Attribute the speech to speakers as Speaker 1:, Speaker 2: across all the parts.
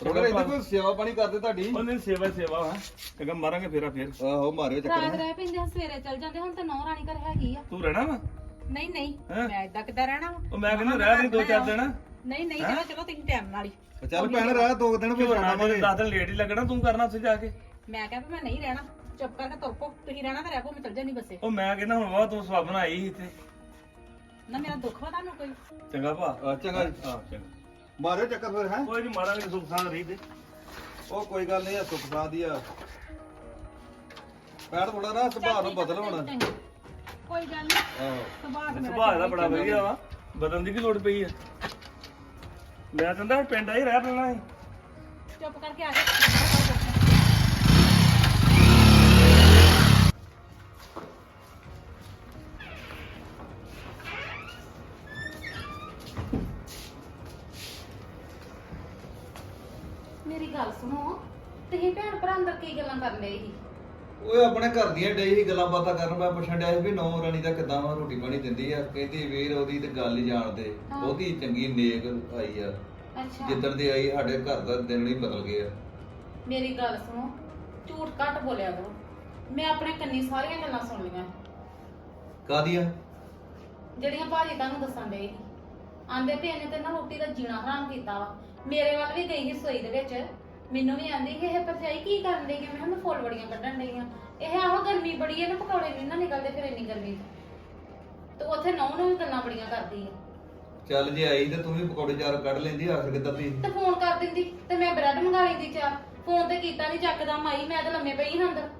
Speaker 1: ਅਗਰ ਇਹਦੀ ਕੋਈ ਸੇਵਾ ਪਾਣੀ ਕਰਦੇ ਤੁਹਾਡੀ
Speaker 2: ਉਹਨੇ ਸੇਵਾ ਵਾ ਚੰਗਾ ਮਾਰਾਂਗੇ ਫੇਰਾ ਫੇਰ
Speaker 1: ਆਹੋ ਮਾਰਿਓ
Speaker 3: ਰਾਤ
Speaker 1: ਚੱਕਰ
Speaker 3: ਰਹਿ ਪੈਂਦੇ ਸਵੇਰੇ ਚੱਲ ਜਾਂਦੇ ਹੁਣ ਤਾਂ ਨੌ ਰਾਣੀ ਘਰ ਹੈਗੀ ਆ
Speaker 2: ਤੂੰ ਰਹਿਣਾ ਵਾ
Speaker 3: ਨਹੀਂ ਨਹੀਂ
Speaker 2: ਹੈਂ?
Speaker 3: ਮੈਂ ਇਦਾਂ ਕਿੱਦਾਂ ਰਹਿਣਾ ਵਾ?
Speaker 2: ਉਹ ਮੈਂ ਕਹਿੰਦਾ ਰਹਿ ਨਹੀਂ 2-4 ਦਿਨ
Speaker 3: ਨਹੀਂ ਨਹੀਂ ਚਲੋ ਚਲੋ ਤੁਸੀਂ ਟਾਈਮ ਨਾਲ ਹੀ
Speaker 1: ਚੱਲ ਭੈਣ ਰਹਿ 2 ਦਿਨ ਵੀ
Speaker 2: ਕਿਉਂ
Speaker 1: ਜਾਣਾ
Speaker 2: ਨਾ 10 ਦਿਨ ਲੇਟ ਹੀ ਲੱਗਣਾ ਤੂੰ ਕਰਨਾ ਉੱਥੇ ਜਾ ਕੇ
Speaker 3: ਮੈਂ ਕਿਹਾ ਵੀ ਮੈਂ ਨਹੀਂ ਰਹਿਣਾ ਚੁੱਪ ਕਰਕੇ ਤੁਰ ਪੋ ਤੁਸੀਂ ਰਹਿਣਾ ਤਾਂ ਰਹਿ ਪੋ ਮੈਂ ਚੱਲ ਜਾਣੀ ਬੱਸੇ
Speaker 2: ਉਹ ਮੈਂ ਕਹਿੰਦਾ ਹੁਣ ਵਾ ਤੂੰ ਸਵਾਬਨ ਆਈ ਸੀ ਇੱਥੇ
Speaker 3: ਨਾ ਮੇਰਾ ਦੁੱਖ ਵਾ ਤੁਹਾਨੂੰ ਕੋਈ
Speaker 2: ਚੰਗਾ ਭਾ
Speaker 1: ਚੰਗਾ
Speaker 2: ਹਾਂ ਚੰਗਾ
Speaker 1: ਮਾਰਿਓ ਚੱਕਰ ਫਿਰ ਹੈ
Speaker 2: ਕੋਈ ਨਹੀਂ ਮਾਰਾਂਗੇ ਸੁੱਖ ਸਾਂ ਰਹੀ ਤੇ
Speaker 1: ਉਹ ਕੋਈ ਗੱਲ ਨਹੀਂ ਆ ਸੁੱਖ ਸਾਧ ਹੀ ਆ ਭੈਣ ਥੋੜਾ ਨਾ ਸੁਭਾਅ ਨੂੰ ਬਦਲ ਹੁਣ
Speaker 3: ਕੋਈ ਗੱਲ ਨਹੀਂ
Speaker 1: ਆਹੋ
Speaker 2: ਸੁਭਾਅ ਦਾ ਬੜਾ ਵਧੀਆ ਵਾ ਬਦਲਣ ਦੀ ਕੀ ਲੋੜ ਪਈ ਆ ਮੈਂ ਕਹਿੰਦਾ ਪਿੰਡ ਆ ਹੀ ਰਹਿ ਪੈਣਾ ਸੀ
Speaker 3: ਚੁੱਪ ਕਰਕੇ ਆ ਜਾ ਮੇਰੀ ਗੱਲ ਸੁਣੋ ਤੁਸੀਂ ਭੈਣ ਭਰਾ ਅੰਦਰ ਕੀ ਗੱਲਾਂ ਕਰਨ ਲਈ ਸੀ
Speaker 1: ਓਏ ਆਪਣੇ ਘਰ ਦੀਆਂ ਡੇ ਹੀ ਗੱਲਾਂ ਬਾਤਾਂ ਕਰਨ ਮੈਂ ਪੁੱਛਣ ਡਿਆ ਸੀ ਵੀ ਨੌ ਰਾਣੀ ਦਾ ਕਿਦਾਂ ਵਾ ਰੋਟੀ ਪਾਣੀ ਦਿੰਦੀ ਆ ਕਹਿੰਦੀ ਵੀਰ ਉਹਦੀ ਤੇ ਗੱਲ ਹੀ ਜਾਣਦੇ
Speaker 3: ਹਾਂ।
Speaker 1: ਬਹੁਤੀ ਚੰਗੀ ਨੇਕ ਆਈ ਆ
Speaker 3: ਅੱਛਾ
Speaker 1: ਜਿੱਦਣ ਦੀ ਆਈ ਸਾਡੇ ਘਰ ਦਾ ਦਿਨ ਹੀ ਬਦਲ ਗਿਆ
Speaker 3: ਮੇਰੀ ਗੱਲ ਸੁਣੋ ਝੂਠ ਘੱਟ ਬੋਲਿਆ ਕਰੋ ਮੈਂ ਆਪਣੇ ਕੰਨੀ ਸਾਰੀਆਂ ਗੱਲਾਂ ਸੁਣ ਲਈਆਂ
Speaker 1: ਕਾਦੀਆਂ
Speaker 3: ਜਿਹੜੀਆਂ ਭਾਜੀ ਤੁਹਾਨੂੰ ਦੱਸਣ ਦੇ ਆਂਦੇ ਵੀ ਇਹਨੇ ਤੇ ਨਾ ਰੋਟੀ ਦਾ ਜੀਣਾ ਹਰਾਮ ਕੀਤਾ ਵਾ ਮੇਰੇ ਵੱਲ ਵੀ ਗਈ ਸੀ ਸੋਈ ਦੇ ਵਿੱਚ ਮੈਨੂੰ ਵੀ ਆਂਦੀ ਕਿ ਇਹ ਭਰਜਾਈ ਕੀ ਕਰਨ ਡਈ ਹੈ ਮੈਂ ਉਹਨੂੰ ਫੁੱਲ ਬੜੀਆਂ ਕੱਢਣ ਡਈ ਆ ਇਹ ਆਹੋ ਗਰਮੀ ਬੜੀ ਹੈ ਨਾ ਪਕੌੜੇ ਨਹੀਂ ਨਾ ਨਿਕਲਦੇ ਫਿਰ ਇੰਨੀ ਗਰਮੀ ਤੇ ਉੱਥੇ ਨੌ ਨੂੰ ਵੀ ਗੱਲਾਂ ਬੜੀਆਂ ਕਰਦੀ ਆ
Speaker 1: ਚੱਲ ਜੇ ਆਈ ਤੇ ਤੂੰ ਵੀ ਪਕੌੜੇ ਚਾਰ ਕੱਢ ਲੈਂਦੀ ਆਖਰ ਕਿੱਦਾਂ ਦੀ
Speaker 3: ਤੇ ਫੋਨ ਕਰ ਦਿੰਦੀ ਤੇ ਮੈਂ ਬ੍ਰੈਡ ਮੰਗਾ ਲੈਂਦੀ ਚਾਰ ਫੋਨ ਤੇ ਕੀਤਾ ਨਹੀਂ ਚੱਕਦਾ ਮਾਈ ਮੈਂ ਤਾਂ ਲੰਮੇ ਪਈ ਹਾਂ ਅੰਦਰ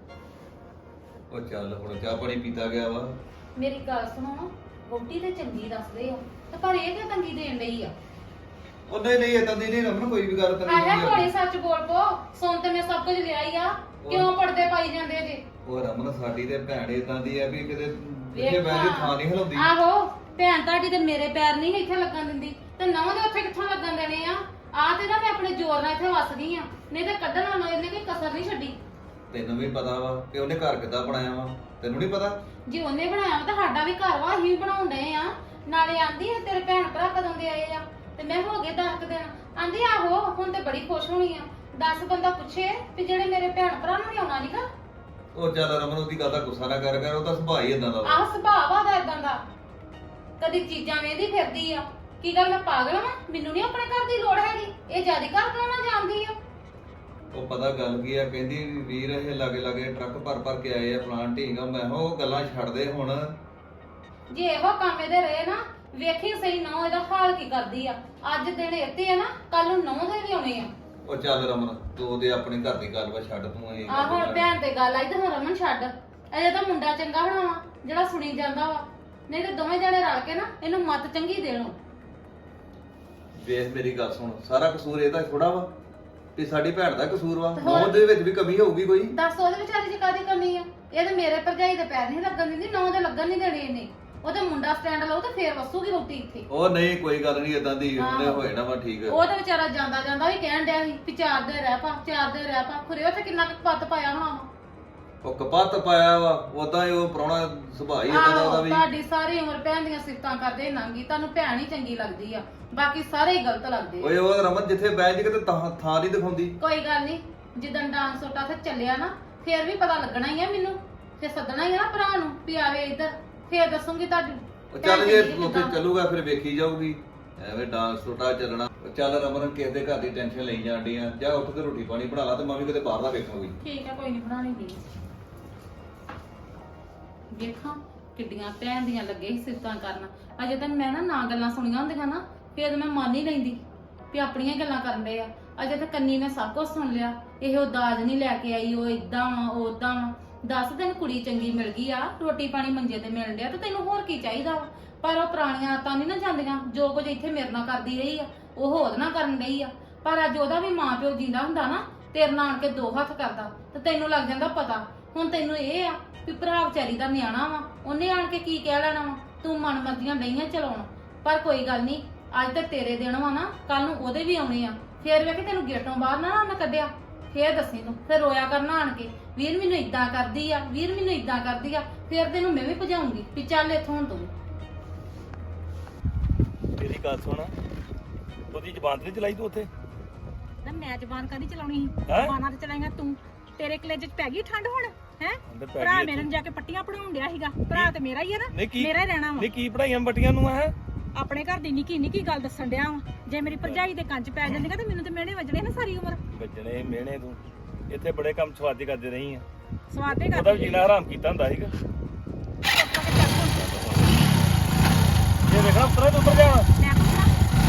Speaker 1: ਉਹ ਚੱਲ ਹੁਣ ਚਾਹ ਪਾਣੀ ਪੀਤਾ ਗਿਆ ਵਾ
Speaker 3: ਮੇਰੀ ਗੱਲ ਸੁਣੋ ਵੋਟੀ ਤੇ ਚੰਗੀ ਦੱਸਦੇ ਆ ਤੇ ਪਰ ਇਹ ਕਿ ਤੰਗੀ ਦੇਣ ਲਈ ਆ
Speaker 1: ਉਹ ਨਹੀਂ ਇਦਾਂ ਦੀ ਨਹੀਂ ਰਮਨ ਕੋਈ ਵੀ ਗੱਲ ਕਰੀ
Speaker 3: ਆਹ ਥੋੜੀ ਸੱਚ ਬੋਲ ਪੋ ਸੁਣ ਤੇ ਮੈਂ ਸਭ ਕੁਝ ਲਿਆ ਹੀ ਆ ਕਿਉਂ ਪੜਦੇ ਪਾਈ ਜਾਂਦੇ ਜੇ
Speaker 1: ਉਹ ਰਮਨ ਸਾਡੀ ਤੇ ਭੈਣ ਇਦਾਂ ਦੀ ਆ ਵੀ ਕਿਤੇ ਜਿੱਥੇ ਬੈਠੇ ਥਾਂ ਨਹੀਂ ਹਿਲਾਉਂਦੀ
Speaker 3: ਆਹੋ ਭੈਣ ਤੁਹਾਡੀ ਤੇ ਮੇਰੇ ਪੈਰ ਨਹੀਂ ਇੱਥੇ ਲੱਗਣ ਦਿੰਦੀ ਤੇ ਨਵਾਂ ਦੇ ਉੱਥੇ ਕਿੱਥੋਂ ਲੱਗਣ ਦੇਣੇ ਆ ਆ ਤੇ ਨਾ ਮੈਂ ਆਪਣੇ ਜ਼ੋਰ ਨਾਲ ਇੱਥੇ ਵਸਦੀ ਆ ਨਹੀਂ ਤੇ ਕੱਢਣ ਵਾਲਾ ਇਹਨੇ ਕੋਈ ਕਸਰ ਨਹੀਂ ਛੱਡੀ
Speaker 1: ਤੈਨੂੰ ਵੀ ਪਤਾ ਵਾ ਕਿ ਉਹਨੇ ਘਰ ਕਿੱਦਾਂ ਬਣਾਇਆ ਵਾ ਤੈਨੂੰ ਨਹੀਂ ਪਤਾ
Speaker 3: ਜੇ ਉਹਨੇ ਬਣਾਇਆ ਵਾ ਤਾਂ ਸਾਡਾ ਵੀ ਘਰ ਵਾ ਅਸੀਂ ਬਣਾਉਣ ਡਏ ਆ ਨਾਲੇ ਆਂਦੀ ਆ ਤੇਰੇ ਭੈਣ ਭਰਾ ਕਦੋਂ ਦੇ ਆਏ ਆ ਤੇ ਮੈਂ ਹੋ ਗਏ 10 ਦਿਨ ਆਂਦੀ ਆਹੋ ਹੁਣ ਤੇ ਬੜੀ ਖੁਸ਼ ਹੋਣੀ ਆ 10 ਬੰਦਾ ਪੁੱਛੇ ਵੀ ਜਿਹੜੇ ਮੇਰੇ ਭੈਣ ਭਰਾ ਨੂੰ ਵੀ ਆਉਣਾ ਨਹੀਂਗਾ
Speaker 1: ਉਹ ਚੱਲ ਰਮਨ ਉਹਦੀ ਗੱਲ ਦਾ ਗੁੱਸਾ ਨਾ ਕਰ ਉਹਦਾ ਸੁਭਾਅ ਹੀ ਇਦਾਂ ਦਾ ਵਾ
Speaker 3: ਆਹ ਸੁਭਾਅ ਆ ਦਾ ਇਦਾਂ ਦਾ ਕਦੀ ਚੀਜ਼ਾਂ ਵੇਂਦੀ ਫਿਰਦੀ ਆ ਕੀ ਗੱਲ ਮੈਂ ਪਾਗਲ ਆ ਮੈਨੂੰ ਨਹੀਂ ਆਪਣੇ ਘਰ ਦੀ ਲੋੜ ਹੈਗੀ ਇਹ ਜਿਆਦੀ ਘਰ ਬਣਾਉਣਾ ਜਾਣਦੀ ਆ
Speaker 1: ਉਹ ਪਤਾ ਗੱਲ ਕੀ ਆ ਕਹਿੰਦੀ ਵੀ ਵੀਰ ਇਹ ਲਾਗੇ ਟਰੱਕ ਭਰ ਕੇ ਆਏ ਆ ਪਲਾਂਟ ਢੀਂਗਾ ਮੈਂ ਕਿਹਾ ਉਹ ਗੱਲਾਂ ਛੱਡ ਦੇ ਹੁਣ
Speaker 3: ਜੇ ਇਹੋ ਕੰਮ ਇਹਦੇ ਰਹੇ ਨਾ ਵੇਖੀ ਸਹੀ ਨੌ ਇਹਦਾ ਹਾਲ ਕੀ ਕਰਦੀ ਆ ਅੱਜ ਦਿਨ ਇੱਥੇ ਆ ਨਾ ਕੱਲ ਨੂੰ ਨੌ ਦੇ ਵੀ ਆਉਣੇ ਆ
Speaker 1: ਉਹ ਚੱਲ ਰਮਨ ਤੂੰ ਉਹਦੇ ਆਪਣੇ ਘਰ ਦੀ ਗੱਲ ਵਾ ਛੱਡ ਤੂੰ ਇਹ
Speaker 3: ਆਹ ਹੁਣ ਭੈਣ ਤੇ ਗੱਲ ਆਈ ਤੇ ਹੁਣ ਰਮਨ ਛੱਡ ਅਜੇ ਤਾਂ ਮੁੰਡਾ ਚੰਗਾ ਬਣਾਵਾ ਜਿਹੜਾ ਸੁਣੀ ਜਾਂਦਾ ਵਾ ਨਹੀਂ ਤੇ ਦੋਵੇਂ ਜਣੇ ਰਲ ਕੇ ਨਾ ਇਹਨੂੰ ਮੱਤ ਚੰਗੀ ਦੇਣੋ
Speaker 1: ਵੇਖ ਮੇਰੀ ਗੱਲ ਸੁਣ ਸਾਰਾ ਕਸੂਰ ਇਹਦਾ ਥੋੜਾ ਵਾ ਤੇ ਸਾਡੀ ਭੈਣ ਦਾ ਕਸੂਰ ਵਾ ਨੌ ਦੇ ਵਿੱਚ ਵੀ ਕਮੀ ਹੋਊਗੀ ਕੋਈ
Speaker 3: ਦੱਸ ਉਹਦੇ ਵਿਚਾਰੀ ਚ ਕਾਦੀ ਕਮੀ ਆ ਇਹ ਤੇ ਮੇਰੇ ਭਰਜਾਈ ਦੇ ਪੈਰ ਨਹੀਂ ਲੱਗਣ ਦਿੰਦੀ ਨੌ ਦੇ ਲੱਗਣ ਨਹੀਂ ਦੇਣੀ ਇਹਨੇ ਉਹਦੇ ਮੁੰਡਾ ਸਟੈਂਡ ਲਾਉ ਤੇ ਫੇਰ ਵਸੂਗੀ ਰੋਟੀ ਇੱਥੇ
Speaker 1: ਉਹ ਨਹੀਂ ਕੋਈ ਗੱਲ ਨਹੀਂ ਇਦਾਂ ਦੀ ਉਹਨੇ
Speaker 3: ਆਹੋ।
Speaker 1: ਹੋਏ ਨਾ ਵਾ ਠੀਕ
Speaker 3: ਉਹ ਤੇ ਵਿਚਾਰਾ ਜਾਂਦਾ ਜਾਂਦਾ ਵੀ ਕਹਿਣ ਡਿਆ ਸੀ ਵੀ 4 ਦਿਨ ਰਹਿ ਪਾ ਖੁਰੇ ਉੱਥੇ ਕਿੰਨਾ ਕੁ ਪੱਤ ਪਾਇਆ ਹੋਣਾ ਵਾ
Speaker 1: ਉਹ ਕਪੱਤ ਪਾਇਆ ਵਾ ਉਦਾਂ ਹੀ ਉਹ ਪ੍ਰਾਹੁਣਾ ਸੁਭਾਅ ਹੀ ਇਦਾਂ ਦਾ ਉਹਦਾ
Speaker 3: ਆਹੋ
Speaker 1: ਵੀ
Speaker 3: ਤੁਹਾਡੀ ਸਾਰੀ ਉਮਰ ਭੈਣ ਦੀਆਂ ਸਿਫਤਾਂ ਕਰਦੇ ਨੰਗੀ ਤੁਹਾਨੂੰ ਭੈਣ ਹੀ ਚੰਗੀ ਲੱਗਦੀ ਆ ਬਾਕੀ ਸਾਰੇ ਹੀ ਗਲਤ ਲੱਗਦੇ ਆ।
Speaker 1: ਓਏ ਉਹ ਰਮਨ ਜਿੱਥੇ ਬੈਠ ਕੇ ਤੇ ਥਾਂ ਨਹੀਂ ਦਿਖਾਉਂਦੀ
Speaker 3: ਕੋਈ ਗੱਲ ਨਹੀਂ ਜਿੱਦਣ ਡਾਂਸ ਸੋਟਾ ਤੇ ਚੱਲਿਆ ਨਾ ਫੇਰ ਵੀ ਪਤਾ ਲੱਗਣਾ ਹੀ ਆ ਮੈਨੂੰ ਫੇਰ ਸੱਦਣਾ ਹੀ ਆ ਨਾ ਭਰਾ ਨੂੰ ਵੀ ਆਵੇ ਇੱਧਰ ਫੇਰ ਦੱਸੂਗੀ ਤੁਹਾਡੀ
Speaker 1: ਉਹ ਚੱਲ ਜੇ
Speaker 3: ਭੈਣ ਚੰਗੀ
Speaker 1: ਉੱਥੇ
Speaker 3: ਕਿੱਦਾਂ।
Speaker 1: ਚੱਲੂਗਾ ਫਿਰ ਵੇਖੀ ਜਾਊਗੀ ਐਵੇਂ ਡਾਂਸ ਟੋਟਾ ਚੱਲਣਾ ਉਹ ਚੱਲ ਰਮਨ ਕਿਸੇ ਦੇ ਘਰ ਦੀ ਟੈਨਸ਼ਨ ਲਈ ਜਾਂਦੀ ਆ ਜਾ ਉੱਠ ਕੇ ਰੋਟੀ ਪਾਣੀ ਬਣਾ ਲਾ ਤੇ ਮੈਂ ਵੀ ਕਿਤੇ ਬਾਹਰ ਦਾ ਵੇਖਾਂਗੀ
Speaker 3: ਠੀਕ ਆ ਕੋਈ ਨਹੀਂ ਬਣਾਣੀ ਦੀ ਵੇਖਾਂ ਕਿੱਡੀਆਂ ਭੈਣ ਦੀਆਂ ਲੱਗੇ ਸੀ ਸਿਫਤਾਂ ਕਰਨ ਅਜੇ ਤੱਕ ਮੈਂ ਨਾ ਗੱਲਾਂ ਸੁਣੀਆਂ ਹੁੰਦੀਆਂ ਨਾ ਫੇਰ ਮੈਂ ਮੰਨ ਹੀ ਲੈਂਦੀ ਵੀ ਆਪਣੀਆਂ ਗੱਲਾਂ ਕਰਨ ਦੇ ਆ ਅਜੇ ਤਾਂ ਕੰਨੀ ਨੇ ਸਭ ਕੁਝ ਸੁਣ ਲਿਆ ਇਹ ਉਹ ਦਾਜ ਨਹੀਂ ਲੈ ਕੇ ਆਈ ਉਹ ਇਦਾਂ ਵਾ ਉਹ ਉਦਾਂ ਵਾ 10 ਦਿਨ ਕੁੜੀ ਚੰਗੀ ਮਿਲ ਗਈ ਆ ਰੋਟੀ ਪਾਣੀ ਮੰਜੇ ਤੇ ਮਿਲਣ ਡਿਆ ਤੇ ਤੈਨੂੰ ਹੋਰ ਕੀ ਚਾਹੀਦਾ ਵਾ ਪਰ ਉਹ ਪੁਰਾਣੀਆਂ ਆਦਤਾਂ ਨਹੀਂ ਨਾ ਜਾਂਦੀਆਂ ਜੋ ਕੁਝ ਇੱਥੇ ਮੇਰੇ ਨਾਲ ਕਰਦੀ ਰਹੀ ਆ ਉਹ ਹੋਰ ਨਾ ਕਰਨ ਡਈ ਆ ਪਰ ਅੱਜ ਉਹਦਾ ਵੀ ਮਾਂ ਪਿਓ ਜਿੰਦਾ ਹੁੰਦਾ ਨਾ ਤੇਰੇ ਨਾਲ ਆਣ ਕੇ 2 ਹੱਥ ਕਰਦਾ ਤੇ ਤੈਨੂੰ ਲੱਗ ਜਾਂਦਾ ਪਤਾ ਹੁਣ ਤੈਨੂੰ ਇਹ ਆ ਵੀ ਭਰਾ ਵਿਚਾਰੀ ਦਾ ਨਿਆਣਾ ਵਾ ਉਹਨੇ ਆਣ ਕੇ ਕੀ ਕਹਿ ਲੈਣਾ ਵਾ ਤੂੰ ਮਨਮਰਜ਼ੀਆਂ ਡਈਆਂ ਚਲਾਉਣ ਪਰ ਕੋਈ ਗੱਲ ਨਹੀਂ ਅੱਜ ਤੱਕ ਤੇਰੇ ਦਿਨ ਵਾ ਨਾ ਕੱਲ ਨੂੰ ਉਹਦੇ ਵੀ ਆਉਣੇ ਆ ਫੇਰ ਵੇਖ ਤੈਨੂੰ ਗੇਟੋਂ ਬਾਹਰ ਨਾ ਮੈਂ ਕੱਢਿਆ ਫੇਰ ਦੱਸੀ ਤੂੰ ਫੇਰ ਰੋਇਆ ਕਰਨਾ ਆਣ ਕੇ ਵੀਰ ਮੈਨੂੰ ਇਦਾਂ ਕਰਦੀ ਆ ਵੀਰ ਮੈਨੂੰ ਇਦਾਂ ਕਰਦੀ ਆ ਫੇਰ ਤੈਨੂੰ ਮੈਂ ਵੀ ਭਜਾਉਂਗੀ ਵੀ ਚੱਲ ਇੱਥੋਂ ਹੁਣ ਤੂੰ
Speaker 2: ਮੇਰੀ ਗੱਲ ਸੁਣ ਉਹਦੀ ਜ਼ਬਾਨ ਤੇ ਨੀ ਚਲਾਈ ਤੂੰ ਉੱਥੇ
Speaker 3: ਨਾ
Speaker 4: ਮੈਂ ਜ਼ਬਾਨ ਕਾਹਦੀ ਚਲਾਉਣੀ ਸੀ
Speaker 2: ਹੈਂ?
Speaker 4: ਜ਼ਬਾਨਾਂ ਤੇ ਚਲਾਏਗਾ ਤੂੰ ਤੇਰੇ ਕਲੇਜੇ 'ਚ ਪੈ ਗਈ ਠੰਡ ਹੁਣ ਹੈ
Speaker 2: ਅੰਦਰ ਪੈ
Speaker 4: ਭਰਾ
Speaker 2: ਗਈ
Speaker 4: ਮੇਰੇ ਨੂੰ ਜਾ ਕੇ ਪੱਟੀਆਂ ਪੜਾਉਣ ਡਿਆ ਸੀਗਾ ਭਰਾ ਤੇ ਮੇਰਾ ਹੀ ਆ ਨਾ
Speaker 2: ਨਹੀਂ ਕੀ
Speaker 4: ਮੇਰਾ ਹੀ ਰਹਿਣਾ ਵਾ
Speaker 2: ਨਹੀਂ ਕੀ ਪੜਾਈਆਂ ਬੱਟੀਆਂ ਨੂੰ ਹੈ
Speaker 4: ਆਪਣੇ ਘਰ ਦੀ ਨਿੱਕੀ ਨਿੱਕੀ ਗੱਲ ਦੱਸਣ ਡਿਆ ਵਾ ਜੇ ਮੇਰੀ ਭਰਜਾਈ ਦੇ ਕੰਨ 'ਚ ਪੈ ਜਾਂਦੀਆਂ ਤੇ ਮੈਨੂੰ ਤੇ ਮਿਹਣੇ ਵੱਜਣੇ ਨਾ ਸਾਰੀ ਉਮਰ
Speaker 2: ਵੱਜਣੇ ਮਿਹਣੇ ਤੂੰ ਇੱਥੇ ਬੜੇ ਕੰਮ ਸਵਾਦੀ ਕਰਦੇ ਰਹੀ ਆ
Speaker 4: ਸਵਾਦੇ
Speaker 2: ਉਹਦਾ
Speaker 4: ਕਰ
Speaker 2: ਵੀ ਜੀਣਾ ਹਰਾਮ ਕੀਤਾ ਹੁੰਦਾ ਸੀਗਾ ਇਹ ਵੇਖਣਾ ਉੱਤਰ ਤੂੰ ਉੱਤਰ ਜਾਣਾ
Speaker 4: ਮੈਂ ਪੁੱਛਾਂ